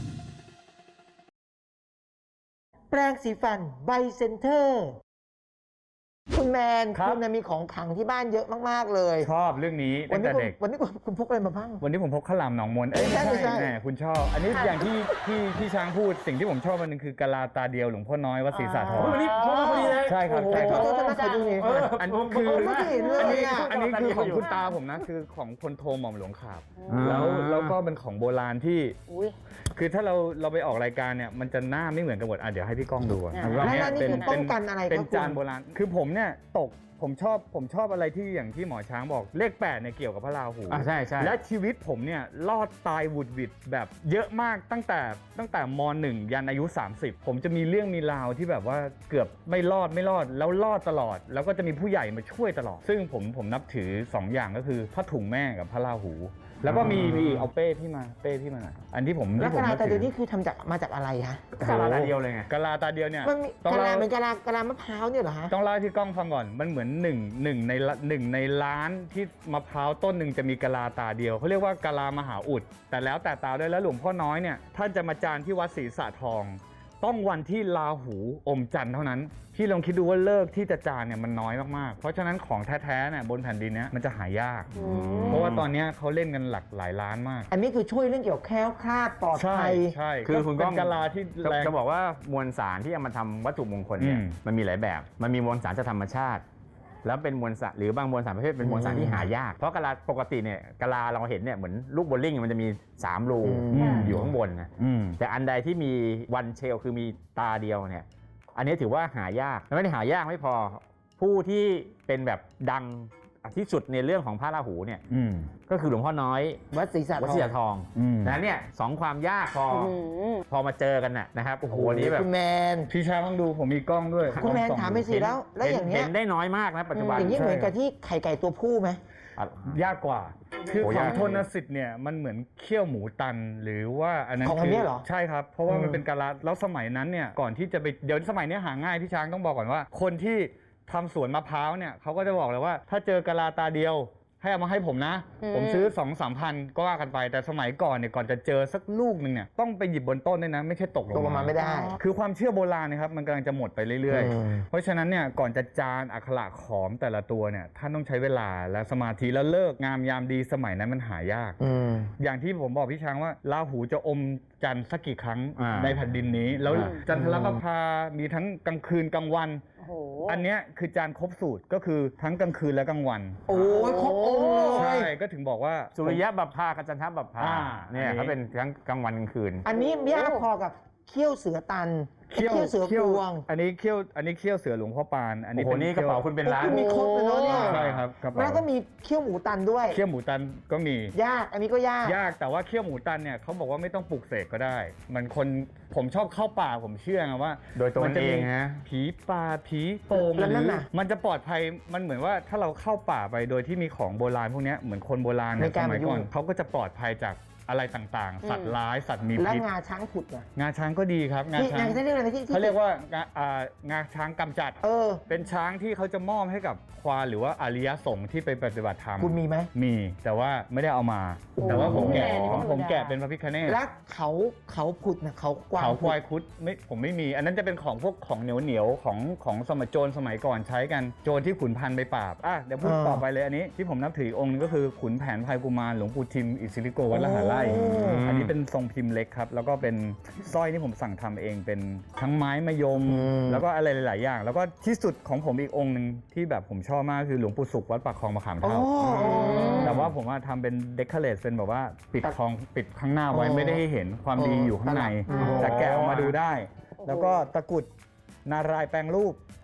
[SPEAKER 2] แปรงสีฟันไบเซนเตอร์คุณแมน
[SPEAKER 5] ครับ
[SPEAKER 2] คุณเนี่ยมีของขลังที่บ้านเยอะมากๆเลย
[SPEAKER 5] ชอบเรื่องนี้
[SPEAKER 2] วั
[SPEAKER 5] ตั้
[SPEAKER 2] น
[SPEAKER 5] ง
[SPEAKER 2] นี้
[SPEAKER 5] แต่
[SPEAKER 2] คุณ
[SPEAKER 5] เด็ก
[SPEAKER 2] วันนี้คุณคุณพกอะไรมาบ้าง
[SPEAKER 5] วันนี้ผมพกข้าวหลามหนองมนเอ้ย
[SPEAKER 2] ไม่
[SPEAKER 5] ไม่
[SPEAKER 2] ใช่
[SPEAKER 5] ใช่
[SPEAKER 2] ไม่ใช่
[SPEAKER 5] แหมคุณชอบ อันนี้อย่างที่ที่ที่ช้างพูดสิ่งที่ผมชอบมันนึงคือกะลาตาเดียวหลวงพ่อน้อยวัดศรีสาทร
[SPEAKER 4] วันนี้พกมาพอดีเลย
[SPEAKER 5] ใช่ครับใช่ค
[SPEAKER 2] ข
[SPEAKER 5] รั
[SPEAKER 2] อบ โทษนะขอดูหน่อย
[SPEAKER 4] เออ
[SPEAKER 5] อัน
[SPEAKER 4] ผม
[SPEAKER 5] คือ
[SPEAKER 4] ผม
[SPEAKER 2] ไม่เห็นเลย
[SPEAKER 5] อันนี้
[SPEAKER 2] อะ
[SPEAKER 5] อันนี้คือของคุณตาผมนะคือของพลโทหม่อมหลวงขาบ
[SPEAKER 4] อ่า
[SPEAKER 5] แล้วแล้วก็เป็นของโบราณที่
[SPEAKER 3] อุ้ย
[SPEAKER 5] คือถ้าเราเราไปออกรายการเนี่ยมันจะหน้าไม่เหมือนกันหมดอ่ะเดี๋ยวให้พี่ก้องดูอ่ะ
[SPEAKER 3] อ่า
[SPEAKER 5] ว่า
[SPEAKER 2] แล้ว
[SPEAKER 5] เย
[SPEAKER 2] แล้วนี่คือป้องกันอะไร
[SPEAKER 5] เป็น
[SPEAKER 2] ครับ
[SPEAKER 5] จาน
[SPEAKER 2] คุณ
[SPEAKER 5] โบราณคือผมเนี่ยตกผมชอบผมชอบอะไรที่อย่างที่หมอช้างบอกเลขแปดเนี่ยเกี่ยวกับพระราหู
[SPEAKER 4] อ่ะใช่ใช่
[SPEAKER 5] และชีวิตผมเนี่ยรอดตายหวุดหวิดแบบเยอะมากตั้งแต่ตั้งแต่มหนึ่งยันอายุ สามสิบ ผมจะมีเรื่องมีราวที่แบบว่าเกือบไม่รอดไม่รอดแล้วรอดตลอด แล้วก็จะมีผู้ใหญ่มาช่วยตลอด ซึ่งผมผมนับถือสองอย่างก็คือผ้าถุงแม่กับพระราหู แล้วก็มีมีเอาเป้พี่มาเป้พี่มาหน่อยอันที่ผม
[SPEAKER 2] แล้ว
[SPEAKER 5] ที่ผ
[SPEAKER 2] กะ
[SPEAKER 5] ม
[SPEAKER 2] ลา
[SPEAKER 5] นับ
[SPEAKER 2] ตา
[SPEAKER 5] ถื
[SPEAKER 2] เดียว
[SPEAKER 5] อ
[SPEAKER 2] นี่คือทำจากมาจากอะไรคะ
[SPEAKER 4] กะลาตาเดียวเลยไง
[SPEAKER 5] กะลาตาเดียวเนี่ย
[SPEAKER 2] มันมี
[SPEAKER 5] ต้อง
[SPEAKER 2] กะลา
[SPEAKER 5] เล่า
[SPEAKER 2] เหมือนกะลากะลามะพร้าวเนี่ยเหรอฮะ
[SPEAKER 5] ต้องเล่าให้พี่ก้องฟังก่อน มันเหมือนหนึ่งหนึ่งในละหนึ่งในล้านที่มะพร้าวต้นหนึ่งจะมีกะลาตาเดียวเขาเรียกว่ากะลามหาอุด แต่แล้วแต่ตาด้วยแล้วหลวงพ่อน้อยเนี่ยท่านจะมาจานที่วัดศรีสะทอง ต้องวันที่ราหูอมจันทร์เท่านั้น พี่ลองคิดดูว่าเลิกที่จะจานเนี่ยมันน้อยมากๆ เพราะฉะนั้นของแท้ๆเนี่ยบนแผ่นดินเนี้ยมันจะหายาก เพราะว่าตอนเนี้ยเขาเล่นกันหลักหลายล้านมาก
[SPEAKER 2] อันนี้คือช่วยเรื่องเกี่ยวกับแคล้วคลาดปลอด
[SPEAKER 5] ใช่
[SPEAKER 2] ภัย
[SPEAKER 5] ใช่
[SPEAKER 4] คือคุณก้อง
[SPEAKER 5] เป็นกะลาที่แรง
[SPEAKER 4] จะบอกว่ามวลสารที่เอามาทำวัตถุมงคลเนี่ย
[SPEAKER 5] อืม
[SPEAKER 4] มันมีหลายแบบ มันมีมวลสารจากธรรมชาติ แล้วเป็นมวลสารหรือบางมวลสารประเภทเป็นมวลสารที่หายาก เพราะกะลาปกติเนี่ยกะลาเราเห็นเนี่ยเหมือนลูกโบว์ลิ่งมันจะมีสามรู
[SPEAKER 2] อืม
[SPEAKER 4] อยู่ข้างบนนะ
[SPEAKER 5] อืม
[SPEAKER 4] แต่อันใดที่มีวันเชลคือมีตาเดียวเนี่ยอันนี้ถือว่าหายากแล้วไม่ได้หายากไม่พอผู้ที่เป็นแบบดังที่สุดในเรื่องของพระราหูเนี่ย
[SPEAKER 5] อืม
[SPEAKER 4] ก็คือหลวงพ่อน้อย
[SPEAKER 2] วัดศรีสะ
[SPEAKER 4] วัด
[SPEAKER 2] ทอ
[SPEAKER 4] ศรี
[SPEAKER 2] ง
[SPEAKER 4] สะทอง
[SPEAKER 5] อืม
[SPEAKER 4] ดังนั้นเนี่ยสองความยากพอ
[SPEAKER 3] อืม
[SPEAKER 4] พอมาเจอกันน่ะนะครับโอ้โหอันนี้แบบ
[SPEAKER 2] คุณแมน
[SPEAKER 5] พี่ช้างต้องดูผมมีกล้องด้วย
[SPEAKER 2] คุณแมน
[SPEAKER 5] ลองส่อง
[SPEAKER 2] ถามไป
[SPEAKER 5] ดู
[SPEAKER 2] สิแล้วแล้วอย่างเงี้
[SPEAKER 4] เห็
[SPEAKER 2] ย
[SPEAKER 4] นได้น้อยมากนะปัจจุบัน
[SPEAKER 2] อย่างนี้เหมือนกับที่ไข่ไก่ตัวผู้ไหม
[SPEAKER 4] อ่ะ
[SPEAKER 5] ยากกว่า คือ
[SPEAKER 4] โอ้
[SPEAKER 5] ของ
[SPEAKER 4] ยาก
[SPEAKER 5] โทนสิทธิ์เนี่ยมันเหมือนเคี่ยวหมูตันหรือว่าอันนั้น
[SPEAKER 2] ของอัน
[SPEAKER 5] คื
[SPEAKER 2] เนี้ยเหรอ
[SPEAKER 5] ใช่ครับ เพราะว่า
[SPEAKER 2] อืม
[SPEAKER 5] มันเป็นกะลาแล้วสมัยนั้นเนี่ยก่อนที่จะไปเดี๋ยวสมัยเนี้ยหาง่ายพี่ช้างต้องบอกก่อนว่า คนที่ทำสวนมะพร้าวเนี่ยเขาก็จะบอกเลยว่า ถ้าเจอกะลาตาเดียว ให้เอามาให้ผมนะ
[SPEAKER 3] อืม
[SPEAKER 5] ผมซื้อ2องสามพันก็ว่ากันไปแต่สมัยก่อนเนี่ยก่อนจะเจอสักลูกหนึ่งเนี่ยต้องไปหยิบบนต้นด้วยนะไม่ใช่ตกล
[SPEAKER 2] ตก
[SPEAKER 5] ง
[SPEAKER 2] ลงมาไม่ได้
[SPEAKER 5] คือความเชื่อโบราณนะครับมันกำลังจะหมดไปเรื่อย
[SPEAKER 2] อืม
[SPEAKER 5] ๆ เพราะฉะนั้นเนี่ยก่อนจะจานอักขระขอมแต่ละตัวเนี่ยท่านต้องใช้เวลาและสมาธิแล้วเลิกงามยามดีสมัยนั้นมันหายาก
[SPEAKER 2] อืม
[SPEAKER 5] อย่างที่ผมบอกพี่ช้างว่าราหูจะอมจันทร์สักกี่ครั้ง
[SPEAKER 4] อ่า
[SPEAKER 5] ในแผ่นดินนี้ แล้ว
[SPEAKER 4] อ่า
[SPEAKER 5] จันทรประภามีทั้งกลางคืนกลางวัน
[SPEAKER 3] โอ้โห
[SPEAKER 5] อันเนี้ยคือจานครบสูตรก็คือทั้งกลางคืนและกลางวัน
[SPEAKER 2] โอ้ยครบองค์เล
[SPEAKER 5] ใช่
[SPEAKER 2] ย
[SPEAKER 5] ก็ถึงบอกว่า
[SPEAKER 4] สุริยะบัพพากับจันทบัพพา
[SPEAKER 5] อ่า
[SPEAKER 4] เนี่ย
[SPEAKER 5] อันนี้
[SPEAKER 4] เขาเป็นทั้งกลางวันกลางคืน
[SPEAKER 2] อันนี้ยากพอกับเขี้ยวเสือตันเขี้ยวเสือกรวง
[SPEAKER 5] อันนี้เขี้ยวอันนี้เขี้ยวเสือหลวงพ่อปาน อัน
[SPEAKER 4] โอ้
[SPEAKER 5] นี้
[SPEAKER 4] โห
[SPEAKER 5] เป็น
[SPEAKER 4] นี่กระเป๋าคุณเป็นล้าน
[SPEAKER 2] คุณมีครบเลยเนาะเนี่ย
[SPEAKER 5] ใช่ครับกระเป๋า
[SPEAKER 2] แล้วก็มีเขี้ยวหมูตันด้วย
[SPEAKER 5] เขี้ยวหมูตันก็มี
[SPEAKER 2] ยากอันนี้ก็ยาก
[SPEAKER 5] ยากแต่ว่าเขี้ยวหมูตันเนี่ยเขาบอกว่าไม่ต้องปลูกเสกก็ได้ มันคนผมชอบเข้าป่าผมเชื่อไงว่า
[SPEAKER 4] โดยตัวมัน
[SPEAKER 5] จะ
[SPEAKER 4] เอ
[SPEAKER 5] มี
[SPEAKER 4] งนะ
[SPEAKER 5] ผีป่าผีโป่ง
[SPEAKER 2] แล้ว
[SPEAKER 5] ห
[SPEAKER 2] นั่
[SPEAKER 5] รื
[SPEAKER 2] น
[SPEAKER 5] อ
[SPEAKER 2] น่ะ
[SPEAKER 5] มันจะปลอดภัยมันเหมือนว่าถ้าเราเข้าป่าไปโดยที่มีของโบราณพวกเนี้ยเหมือนคนโบราณเนี่ย
[SPEAKER 2] ไม่ก
[SPEAKER 5] ส
[SPEAKER 2] ล้า
[SPEAKER 5] มัย
[SPEAKER 2] มายุ่ง
[SPEAKER 5] ก่อนเขาก็จะปลอดภัยจากอะไรต่างๆ สัตว์ร้ายสัตว์มี
[SPEAKER 2] และ
[SPEAKER 5] พิษ
[SPEAKER 2] งาช้างผุดอ่ะ
[SPEAKER 5] งาช้างก็ดีครับงา
[SPEAKER 2] ที่
[SPEAKER 5] ช้าง
[SPEAKER 2] งาที่เรียกอะไรที่ที่
[SPEAKER 5] เขาเรียกว่างาอ่างาช้างกำจัด
[SPEAKER 2] เออ
[SPEAKER 5] เป็นช้างที่เขาจะมอบให้กับควานหรือว่าอริยสงฆ์ที่ไปปฏิบัติธรรม
[SPEAKER 2] คุณมีไหม
[SPEAKER 5] มีแต่ว่าไม่ได้เอามา แต่ว่าผมแกะ
[SPEAKER 3] โอ้โห
[SPEAKER 5] ผมผมแกะเป็นพระพิฆเนศ
[SPEAKER 2] และเขาเขาผุดนะเขากวาง
[SPEAKER 5] เขาควาย
[SPEAKER 2] ผุด
[SPEAKER 5] คุดไม่ผมไม่มี อันนั้นจะเป็นของพวกของเหนียวเหนียวๆของของสมัยโจรสมัยก่อนใช้กันโจรที่ขุนพันธุ์ไปปราบอ่ะเดี๋ยวพูดต่อไปเลยอันนี้ที่ผมนับถือองค์นึงก็คือขุนแผนภัยกุมารหลวงปู่ทิมอิสิริโกวัดละหาไร่
[SPEAKER 2] โอ้
[SPEAKER 5] อันนี้เป็นทรงพิมพ์เล็กครับ แล้วก็เป็นสร้อยที่ผมสั่งทำเองเป็นทั้งไม้มะยม แล้วก็อะไรหลาย ๆ อย่าง แล้วก็ที่สุดของผมอีกองค์หนึ่งที่แบบผมชอบมากคือหลวงปู่สุขวัดปากคลองมะขาม
[SPEAKER 2] โอ้
[SPEAKER 5] เท่า แต่ว่าผมว่าทำเป็นเดคอเรทเป็นแบบว่าปิดทองปิดข้างหน้าไว้
[SPEAKER 2] โอ้
[SPEAKER 5] ไม่ได้ให้เห็นความดีอยู่ข้างใน
[SPEAKER 2] โอ้
[SPEAKER 5] แต่แกะออกมาดูได้ แล้วก็ตะกรุดนารายณ์แปลงรูป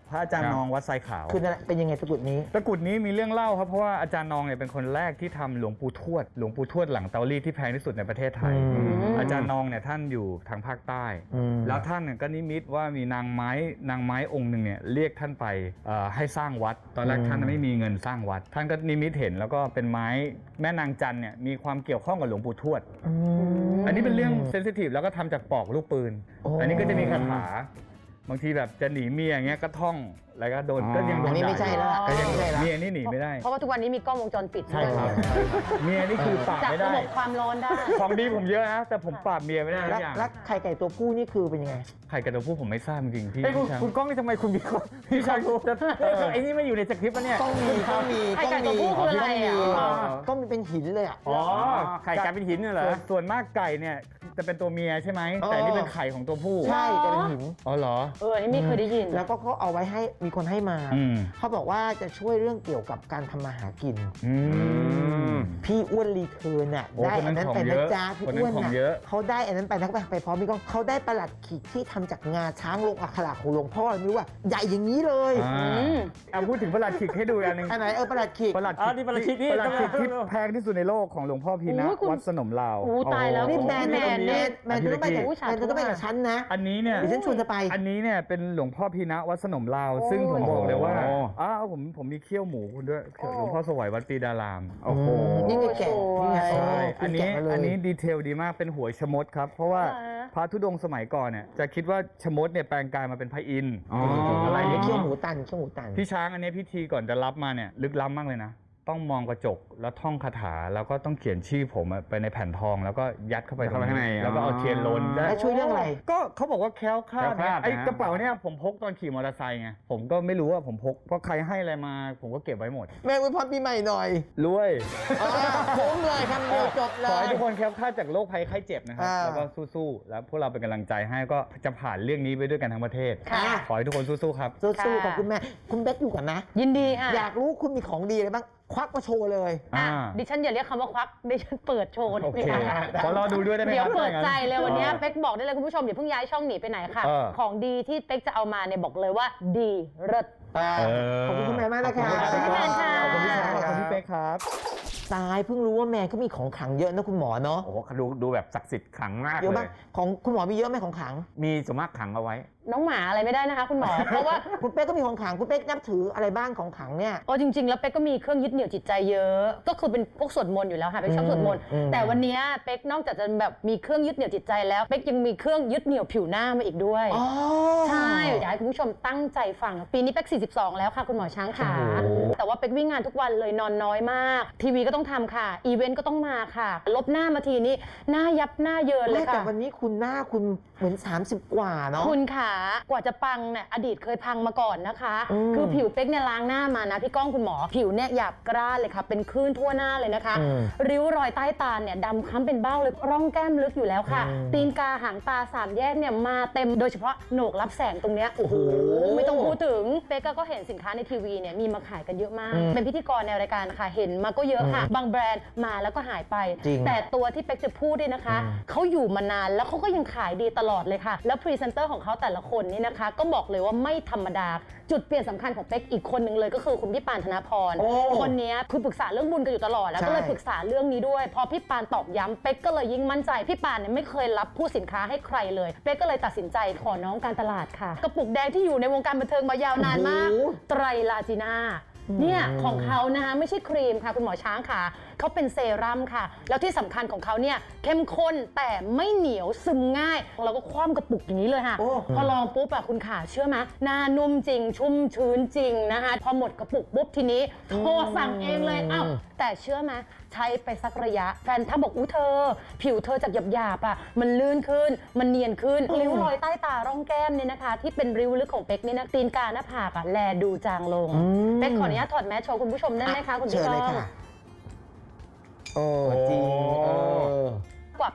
[SPEAKER 5] พระอาจารย์นองวัดไซขาว
[SPEAKER 2] คือนั่นแหละเป็นยังไงตะกรุดนี้
[SPEAKER 5] ตะกรุดนี้มีเรื่องเล่าครับเพราะว่าอาจารย์นองเนี่ยเป็นคนแรกที่ทำหลวงปู่ทวดหลวงปู่ทวดหลังเตารีดที่แพงที่สุดในประเทศไทย
[SPEAKER 2] อืม
[SPEAKER 5] อาจารย์นองเนี่ยท่านอยู่ทางภาคใต้
[SPEAKER 2] อืม
[SPEAKER 5] แล้วท่านเนี่ยก็นิมิตว่ามีนางไม้นางไม้องค์หนึ่งเนี่ยเรียกท่านไปเอ่อให้สร้างวัด ตอนแรกท่านไม่มีเงินสร้างวัด ท่านก็นิมิตเห็นแล้วก็เป็นไม้แม่นางจันเนี่ยมีความเกี่ยวข้องกับหลวงปู่ทวด
[SPEAKER 2] อืม
[SPEAKER 5] อันนี้เป็นเรื่องเซนซิทีฟแล้วก็ทำจากปอกลูกปืน
[SPEAKER 2] โอ้
[SPEAKER 5] อันนี้ก็จะมีคาถาบางทีแบบจะหนีเมียอย่างเงี้ยก็ท่องแล้วก็โดน
[SPEAKER 4] อ๋อ
[SPEAKER 5] ก็ยังโด
[SPEAKER 2] อัน
[SPEAKER 5] น
[SPEAKER 2] นี้ไม่ใช่แล้วล่ะ
[SPEAKER 5] ก็ยัง
[SPEAKER 2] ไม่ใช่แล้ว
[SPEAKER 5] เมียนี่หนีไม่ได้
[SPEAKER 3] เพราะว่าทุกวันนี้มีกล้องวงจรปิด
[SPEAKER 5] ใช่ครับ เมียนี่คือปราบ
[SPEAKER 3] จับ
[SPEAKER 5] ไม่
[SPEAKER 3] ระ
[SPEAKER 5] ได้
[SPEAKER 3] บบความร้อนได้
[SPEAKER 5] ของดีผมเยอะนะแต่ผมปราบเมียไม่ได้ทุ
[SPEAKER 2] แล้ว
[SPEAKER 5] กอย่าง
[SPEAKER 2] แล้วไข่ไก่ตัวผู้นี่คือเป็นยังไง
[SPEAKER 5] ไข่กระโดดผู้ผมไม่ทราบจริงๆพี่
[SPEAKER 4] ไอ้ยคุณ
[SPEAKER 5] พี่ช้าง
[SPEAKER 4] คุณก้องนี่ทำไมคุณมีคนพี่ชายรู้จะเอ้ยไอ้นี่ไม่อยู่ในสคริปต์ปะเนี่ย
[SPEAKER 2] ต้องมีต้องมี
[SPEAKER 3] ไข่
[SPEAKER 2] ต้อง
[SPEAKER 3] ไก่ตัว
[SPEAKER 2] มี
[SPEAKER 3] ผู้คืออะไรอ่ะ
[SPEAKER 2] ต้องมี
[SPEAKER 4] อ๋อ
[SPEAKER 2] ต้องมีเป็นหินเลยอ่ะ
[SPEAKER 5] อ๋อ
[SPEAKER 4] ไข่ไก่เป็นหินเนี่ยเหรอ
[SPEAKER 5] ส่วนส่วนมากไก่เนี่ยจะเป็นตัวเมียใช่ไหม
[SPEAKER 2] อ๋อ
[SPEAKER 5] แต่นี่เป็นไข่ของตัวผู้
[SPEAKER 2] ใช่แต่เป็นหิน
[SPEAKER 5] อ๋อเหรอ
[SPEAKER 3] เอออันนี้ไม่เคยได้ยิน
[SPEAKER 2] แล้วก็เขาเอาไว้ให้มีคนให้มา
[SPEAKER 5] อืม
[SPEAKER 2] เขาบอกว่าจะช่วยเรื่องเกี่ยวกับการทำมาหากิน
[SPEAKER 5] อืม
[SPEAKER 2] พี่อ้วนรีเทิร์นน่ะ
[SPEAKER 5] โอ้
[SPEAKER 2] ได้
[SPEAKER 5] คนนั้
[SPEAKER 2] อัน
[SPEAKER 5] น
[SPEAKER 2] นั้น
[SPEAKER 5] ของ
[SPEAKER 2] ไป
[SPEAKER 5] เย
[SPEAKER 2] นะ
[SPEAKER 5] อะ
[SPEAKER 2] จ๊ะพี่
[SPEAKER 5] คนนั้น
[SPEAKER 2] อ้วน
[SPEAKER 5] ของ
[SPEAKER 2] น่ะ
[SPEAKER 5] เยอะ
[SPEAKER 2] เขาได้อันนั้นไปนะไปพร้อมพี่ก้องเขาได้ประหลัดขีดที่ทำจากงาช้างลงอักขระของหลวงพ่อไม่รู้ว่าใหญ่อย่างนี้เลย
[SPEAKER 5] อ่า
[SPEAKER 3] อืม
[SPEAKER 5] เอาพูดถึงประหลัดขิกให้ดูอันหนึง
[SPEAKER 2] อันไหนเออประหลัดขีด
[SPEAKER 5] ประหลัด
[SPEAKER 4] อ๋อนี่ประหลัดขิกนี่
[SPEAKER 5] ประหลัดขิกที่
[SPEAKER 4] ต้องมา
[SPEAKER 5] แพงที่สุดในโลกของหลวงพ่อพีนะ
[SPEAKER 3] โอ้ยคุณ
[SPEAKER 5] วัดสนมลาว
[SPEAKER 3] โอ้ตายแล้ว
[SPEAKER 2] นี่
[SPEAKER 3] คุณ
[SPEAKER 2] แมน
[SPEAKER 3] แม
[SPEAKER 2] แม
[SPEAKER 3] น
[SPEAKER 2] น
[SPEAKER 3] เนี่ย
[SPEAKER 2] แมนเธอต้องไปกับ
[SPEAKER 3] อุ๊ยสาธุ
[SPEAKER 2] แมนเธอต้องไปกับฉันนะ
[SPEAKER 5] อันนี้เนี่ย
[SPEAKER 2] เดี๋ยวฉันชวนเธอไป
[SPEAKER 5] อันนี้เนี่ยเป็นหลวงพ่อพีนะวัดสนมลาว
[SPEAKER 3] โอ้
[SPEAKER 5] ซึ่งผมบอกเลยว่า
[SPEAKER 4] โอ้
[SPEAKER 5] อ้าวผมผมมีเขี้ยวหมูคุณด้วย
[SPEAKER 3] โอ้
[SPEAKER 5] หลวงพ่อสวัยวัดปีดาราม
[SPEAKER 4] โอ้โห
[SPEAKER 2] นี่ไงแกะนี่ไง
[SPEAKER 5] ใช่
[SPEAKER 2] คุ
[SPEAKER 5] อั
[SPEAKER 2] ณ
[SPEAKER 5] นนี้
[SPEAKER 2] แกะมาเลย
[SPEAKER 5] อันนี้ดีเทลดีมากเป็นหัวชะมดครับ เพราะว่า
[SPEAKER 3] อ่า
[SPEAKER 5] พระธุดงค์สมัยก่อนเนี่ยจะคิดว่าชะมดเนี่ยแปลงกายมาเป็นพระอินทร์
[SPEAKER 4] อ๋อ
[SPEAKER 2] อะไรเนี่ยเขี้ยวหมูตันเขี้ยวหมูตัน
[SPEAKER 5] พี่ช้างอันนี้พิธีก่อนจะรับมาเนี่ยลึกล้ำมากเลยนะ ต้องมองกระจกแล้วท่องคาถาแล้วก็ต้องเขียนชื่อผมอะไปในแผ่นทอง แล้วก็ยัดเข้าไป
[SPEAKER 4] เข้าไปข้างใน
[SPEAKER 5] แล้วก็เอาเทียนลนได้
[SPEAKER 2] แล้วช่วยเรื่องอะไร
[SPEAKER 5] ก็เขาบอกว่าแคล้วคลาด
[SPEAKER 4] แคล้วคลาด
[SPEAKER 5] ไอ้
[SPEAKER 4] นะ
[SPEAKER 5] กระเป๋าเนี่ยผมพกตอนขี่มอเตอร์ไซค์ไงผมก็ไม่รู้ว่าผมพกเพราะใครให้อะไรมาผมก็เก็บไว้หมด
[SPEAKER 2] แม่อวยพรปีใหม่หน่อย
[SPEAKER 5] รวย
[SPEAKER 2] อ่าคุ้มเลยคำเดียวจบเล
[SPEAKER 5] ขอให้
[SPEAKER 2] ย
[SPEAKER 5] ทุกคนแคล้วคลาดจากโรคภัยไข้เจ็บนะครับ
[SPEAKER 2] อ่า
[SPEAKER 5] แล้วก็สู้ๆแล้วพวกเราเป็นกำลังใจให้ก็จะผ่านเรื่องนี้ไปด้วยกันทั้งประเทศ
[SPEAKER 3] ค่ะ
[SPEAKER 5] ขอให้ทุกคนสู้ๆครับ
[SPEAKER 2] สู้ๆขอบคุณแม่ คุณเบ๊กอยู่กันนะ
[SPEAKER 3] ยินดีค่ะ
[SPEAKER 2] อยากรู้คุณมีของดีอะไรบ้าง ควักมาโชว์เลย
[SPEAKER 3] อ่ะ
[SPEAKER 5] อ่า
[SPEAKER 3] ดิฉันอย่าเรียกคำว่าควักดิฉันเปิดโชว์
[SPEAKER 5] โอเค
[SPEAKER 3] ดีกว่า
[SPEAKER 5] ขอรอดูด้วยได้ไหม
[SPEAKER 3] เดี๋ยว
[SPEAKER 5] ครับ
[SPEAKER 3] เปิดใจเลยวันนี้
[SPEAKER 5] ออ
[SPEAKER 3] เป๊กบอกได้เลยคุณผู้ชมอย่าเพิ่งย้ายช่องหนีไปไหนค่ะ
[SPEAKER 5] เออ
[SPEAKER 3] ของดีที่เป๊กจะเอามาเนี่ยบอกเลยว่าดีเลิศ
[SPEAKER 5] เออ
[SPEAKER 2] ขอบคุณคุณแม่มากนะคะ
[SPEAKER 5] ขอบคุณพี่แมนค่ะ
[SPEAKER 2] ขอบคุณพี่แมน
[SPEAKER 5] ขอบคุณพี่เป๊กครับ
[SPEAKER 2] ตายเพิ่งรู้ว่าแมนเขามีของขลังเยอะนะคุณหมอเนาะ
[SPEAKER 4] โอ้โหดูดูแบบศักดิ์สิทธิ์ขลังมาก
[SPEAKER 2] เยอะ
[SPEAKER 4] เล
[SPEAKER 2] มาก
[SPEAKER 4] ย
[SPEAKER 2] ของคุณหมอมีเยอะไหมของขลัง
[SPEAKER 4] มีสมมากขังเอาไว้
[SPEAKER 3] น้องหมาอะไรไม่ได้นะคะ คุณหมอ เพราะว่า
[SPEAKER 2] คุณเป๊กก็มีของขลัง คุณเป๊กนับถืออะไรบ้างของขลังเนี่ย
[SPEAKER 3] โอ้จริง ๆ แล้วเป๊กก็มีเครื่องยึดเหนี่ยวจิตใจเยอะ ก็คือเป็นพวกสวดมนต์อยู่แล้วค่ะเป๊กชอบสวดมนต์
[SPEAKER 2] อืม
[SPEAKER 3] แต่วันนี้เป๊กนอกจากจะแบบมีเครื่องยึดเหนี่ยวจิตใจแล้วเป๊กยังมีเครื่องยึดเหนี่ยวผิวหน้ามาอีกด้วย
[SPEAKER 2] อ๋อ
[SPEAKER 3] ใช่อยากให้คุณผู้ชมตั้งใจฟัง ปีนี้เป๊กสี่สิบสองแล้วค่ะคุณหมอช้างขา
[SPEAKER 2] โอ้โห
[SPEAKER 3] แต่ว่าเป๊กวิ่งงานทุกวันเลยนอนน้อยมาก ทีวีก็ต้องทำค่ะ อีเวนต์ก็ต้องมาค่ะ ลบหน้ามาทีนี้หน้ายับหน้าเยินเลย
[SPEAKER 2] แม่แต่
[SPEAKER 3] ค่ะ
[SPEAKER 2] วันนี้คุณหน้าคุณเหมือน สามสิบ กว่าเนาะ
[SPEAKER 3] คุณขากว่าจะปังเนี่ยอดีตเคยพังมาก่อนนะคะ
[SPEAKER 2] อืม
[SPEAKER 3] คือผิวเป๊กเนี่ยล้างหน้ามานะพี่ก้องคุณหมอ ผิวเนี่ยหยาบกร้านเลยค่ะ เป็นคลื่นทั่วหน้าเลยนะคะ
[SPEAKER 2] อืม
[SPEAKER 3] ริ้วรอยใต้ตาเนี่ยดำคล้ำเป็นเบ้าเลยร่องแก้มลึกอยู่แล้วค่ะ
[SPEAKER 2] อืม
[SPEAKER 3] ตีนกาหางตาสามแยกเนี่ยมาเต็มโดยเฉพาะโหนกรับแสงตรงเนี้ยโอ้โห
[SPEAKER 2] โอ้โห
[SPEAKER 3] ไม่ต้องพูดถึงเป๊กก็เห็นสินค้าในทีวีเนี่ยมีมาขายกันเยอะมาก
[SPEAKER 2] อืม
[SPEAKER 3] เป็นพิธีกรในรายการค่ะเห็นมาก็เยอะค่ะ
[SPEAKER 2] อืม
[SPEAKER 3] บางแบรนด์มาแล้วก็หายไป
[SPEAKER 2] จริง
[SPEAKER 3] แต่ตัวที่เป๊กจะพูดเนี่ยนะคะ
[SPEAKER 2] อืม
[SPEAKER 3] เขาอยู่มานานแล้วเขาก็ยังขายดีตลอดเลยค่ะ แล้วพรีเซนเตอร์ของเขาแต่ละคนนี่นะคะ ก็บอกเลยว่าไม่ธรรมดา จุดเปลี่ยนสำคัญของเป๊กอีกคนหนึ่งเลยก็คือคุณพี่ปานธนพร
[SPEAKER 2] โอ้
[SPEAKER 3] คนนี้คือปรึกษาเรื่องบุญกันอยู่ตลอดแล้ว
[SPEAKER 2] ใช่
[SPEAKER 3] ก็เลยปรึกษาเรื่องนี้ด้วย พอพี่ปานตอกย้ำเป๊กก็เลยยิ่งมั่นใจ พี่ปานเนี่ยไม่เคยรับผู้สินค้าให้ใครเลย เป๊กก็เลยตัดสินใจขอน้องการตลาดค่ะ กระปุกแดงที่อยู่ในวงการบันเทิงมายาวนานมาก
[SPEAKER 2] โอ้โห
[SPEAKER 3] ไตรลาจีน่าเนี่ยของเขานะคะไม่ใช่ครีมค่ะคุณหมอช้างค่ะเขาเป็นเซรั่มค่ะ แล้วที่สำคัญของเขาเนี่ยเข้มข้นแต่ไม่เหนียวซึมง่ายเราก็คว่ำกระปุกอย่างนี้เลยค่ะ
[SPEAKER 2] โอ้
[SPEAKER 3] พอลองปุ๊บอะคุณขาเชื่อไหมหน้านุ่มจริง ชุ่มชื้นจริงนะคะพอหมดกระปุกปุ๊บทีนี้โทรสั่งเองเลยอ้าวแต่เชื่อไหมใช้ไปสักระยะแฟนถ้าบอกอู้เธอ ผิวเธอจากหยาบๆอะมันลื่นขึ้น มันเนียนขึ้นริ้วรอยใต้ตาร่องแก้มเนี่ยนะคะ ที่เป็นริ้วลึกของเป๊กนี่นะตีนกาหน้าผากอะแลดูจางลง
[SPEAKER 2] อืม
[SPEAKER 3] เป๊กขออนุญาตถอดแมสโชว์คุณผู้ชมได้ไหมคะคุณ
[SPEAKER 2] เชิ
[SPEAKER 3] พี่
[SPEAKER 2] ญ
[SPEAKER 3] ก้
[SPEAKER 2] เลย
[SPEAKER 3] อง
[SPEAKER 2] ค่ะ โอ้จริงเออ
[SPEAKER 3] กว่าเ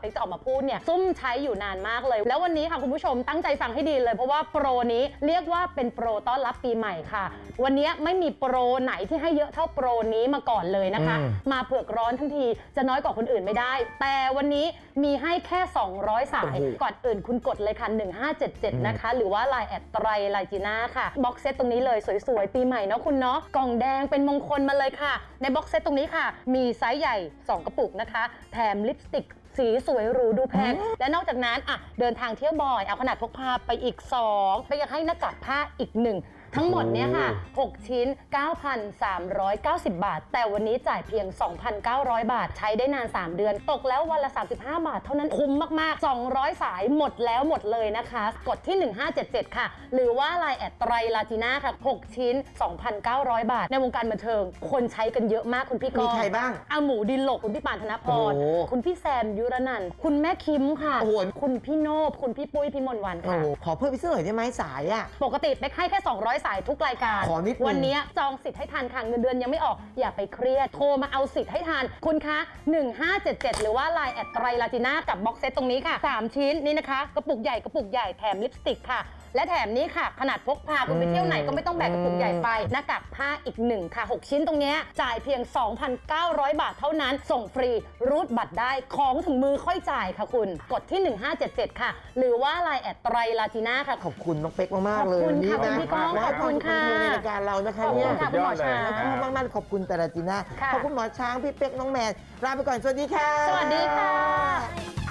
[SPEAKER 3] กจะออกมาพูดเนี่ยซุ่มใช้อยู่นานมากเลยแล้ววันนี้ค่ะคุณผู้ชมตั้งใจฟังให้ดีเลยเพราะว่าโปรนี้เรียกว่าเป็นโปรต้อนรับปีใหม่ค่ะวันนี้ไม่มีโปรไหนที่ให้เยอะเท่าโปรนี้มาก่อนเลยนะคะ มาเผือกร้อนทั้งทีจะน้อยกว่าคนอื่นไม่ได้แต่วันนี้มีให้แค่สองร้อยสายก่อนอื่นคุณกดเลยค่ะหนึ่งห้าเจ็ดเจ็ดนะคะหรือว่า ไลน์ แอดไตรไลจีน่าค่ะบ็อกเซตตรงนี้เลยสวยๆปีใหม่เนาะคุณเนาะกล่องแดงเป็นมงคลมาเลยค่ะในบ็อกเซตตรงนี้ค่ะมีไซส์ใหญ่สองกระปุกนะคะแถมลิปสติกสีสวยหรูดูแพงและนอกจากนั้นอ่ะเดินทางเที่ยวบ่อยเอาขนาดพกพาไปอีกสองไปยังให้หน้ากากผ้าอีกหนึ่งทั้งหมดเนี่ยค่ะหกชิ้น เก้าพันสามร้อยเก้าสิบ บาทแต่วันนี้จ่ายเพียง สองพันเก้าร้อย บาทใช้ได้นานสามเดือนตกแล้ววันละสามสิบห้าบาทเท่านั้นคุ้มมากๆสองร้อยสายหมดแล้วหมดเลยนะคะกดที่หนึ่งห้าเจ็ดเจ็ดค่ะหรือว่า ไลน์ แอดไตรลาจีน่าค่ะหกชิ้น สองพันเก้าร้อย บาทในวงการบันเทิงคนใช้กันเยอะมากคุณพี่ก
[SPEAKER 2] มีใครบ้าง
[SPEAKER 3] อาหมูดินหลกคุณพี่ปานธนพร
[SPEAKER 2] โอ้
[SPEAKER 3] คุณพี่แซมยุรนันท์คุณแม่คิมค่ะ
[SPEAKER 2] โอ้โห
[SPEAKER 3] คุณพี่โนบคุณพี่ปุ้ยพี่มนต์วัน
[SPEAKER 2] โอ้
[SPEAKER 3] ค่ะ
[SPEAKER 2] โหขอเพิ่มอีกสักหน่อยได้ไหมสายอ่ะ
[SPEAKER 3] ปกติเป๊กให้แค่สองร้อยสายทุกรายการ
[SPEAKER 2] ขอนิดนึง
[SPEAKER 3] วันนี้จองสิทธิ์ให้ทันค่ะเงินเดือนยังไม่ออกอย่าไปเครียดโทรมาเอาสิทธิ์ให้ทันคุณคะหนึ่งห้าเจ็ดเจ็ดหรือว่า ไลน์ แอดไตรลาจีน่ากับบ็อกเซตตรงนี้ค่ะสามชิ้นนี่นะคะกระปุกใหญ่กระปุกใหญ่แถมลิปสติกค่ะและแถมนี้ค่ะขนาดพกพาคุณไปเที่ยวไหนก็ไม่ต้องแบกกระปุกใหญ่ไปหน้ากากผ้าอีกหนึ่งค่ะหกชิ้นตรงนี้จ่ายเพียง สองพันเก้าร้อย บาทเท่านั้นส่งฟรีรูดบัตรได้ของถึงมือค่อยจ่ายค่ะคุณกดที่หนึ่งห้าเจ็ดเจ็ดค่ะหรือว่า ไลน์ แอดไตรลาจีน่าค่ะ
[SPEAKER 2] ขอบคุณน้องเป๊กมากๆเลย
[SPEAKER 3] ขอบคุณ
[SPEAKER 2] วันนี้
[SPEAKER 3] ค่ะ
[SPEAKER 2] นะ
[SPEAKER 3] คุณพี่ก้อง
[SPEAKER 2] และให้
[SPEAKER 3] ขอบคุณค่ะ
[SPEAKER 2] วามในรายการเรานะคะ
[SPEAKER 3] ขอบ
[SPEAKER 2] เนี่
[SPEAKER 3] คุ
[SPEAKER 2] ย
[SPEAKER 3] ณค่ะคุณหมอช้าง
[SPEAKER 2] ขอบคุณมากๆขอบคุณแต่ละจีน่า
[SPEAKER 3] ค่ะ
[SPEAKER 2] ขอบคุณหมอช้างพี่เป๊กน้องแมนลาไปก่อนสวัสดีค่ะ
[SPEAKER 3] สวัสดีค่ะ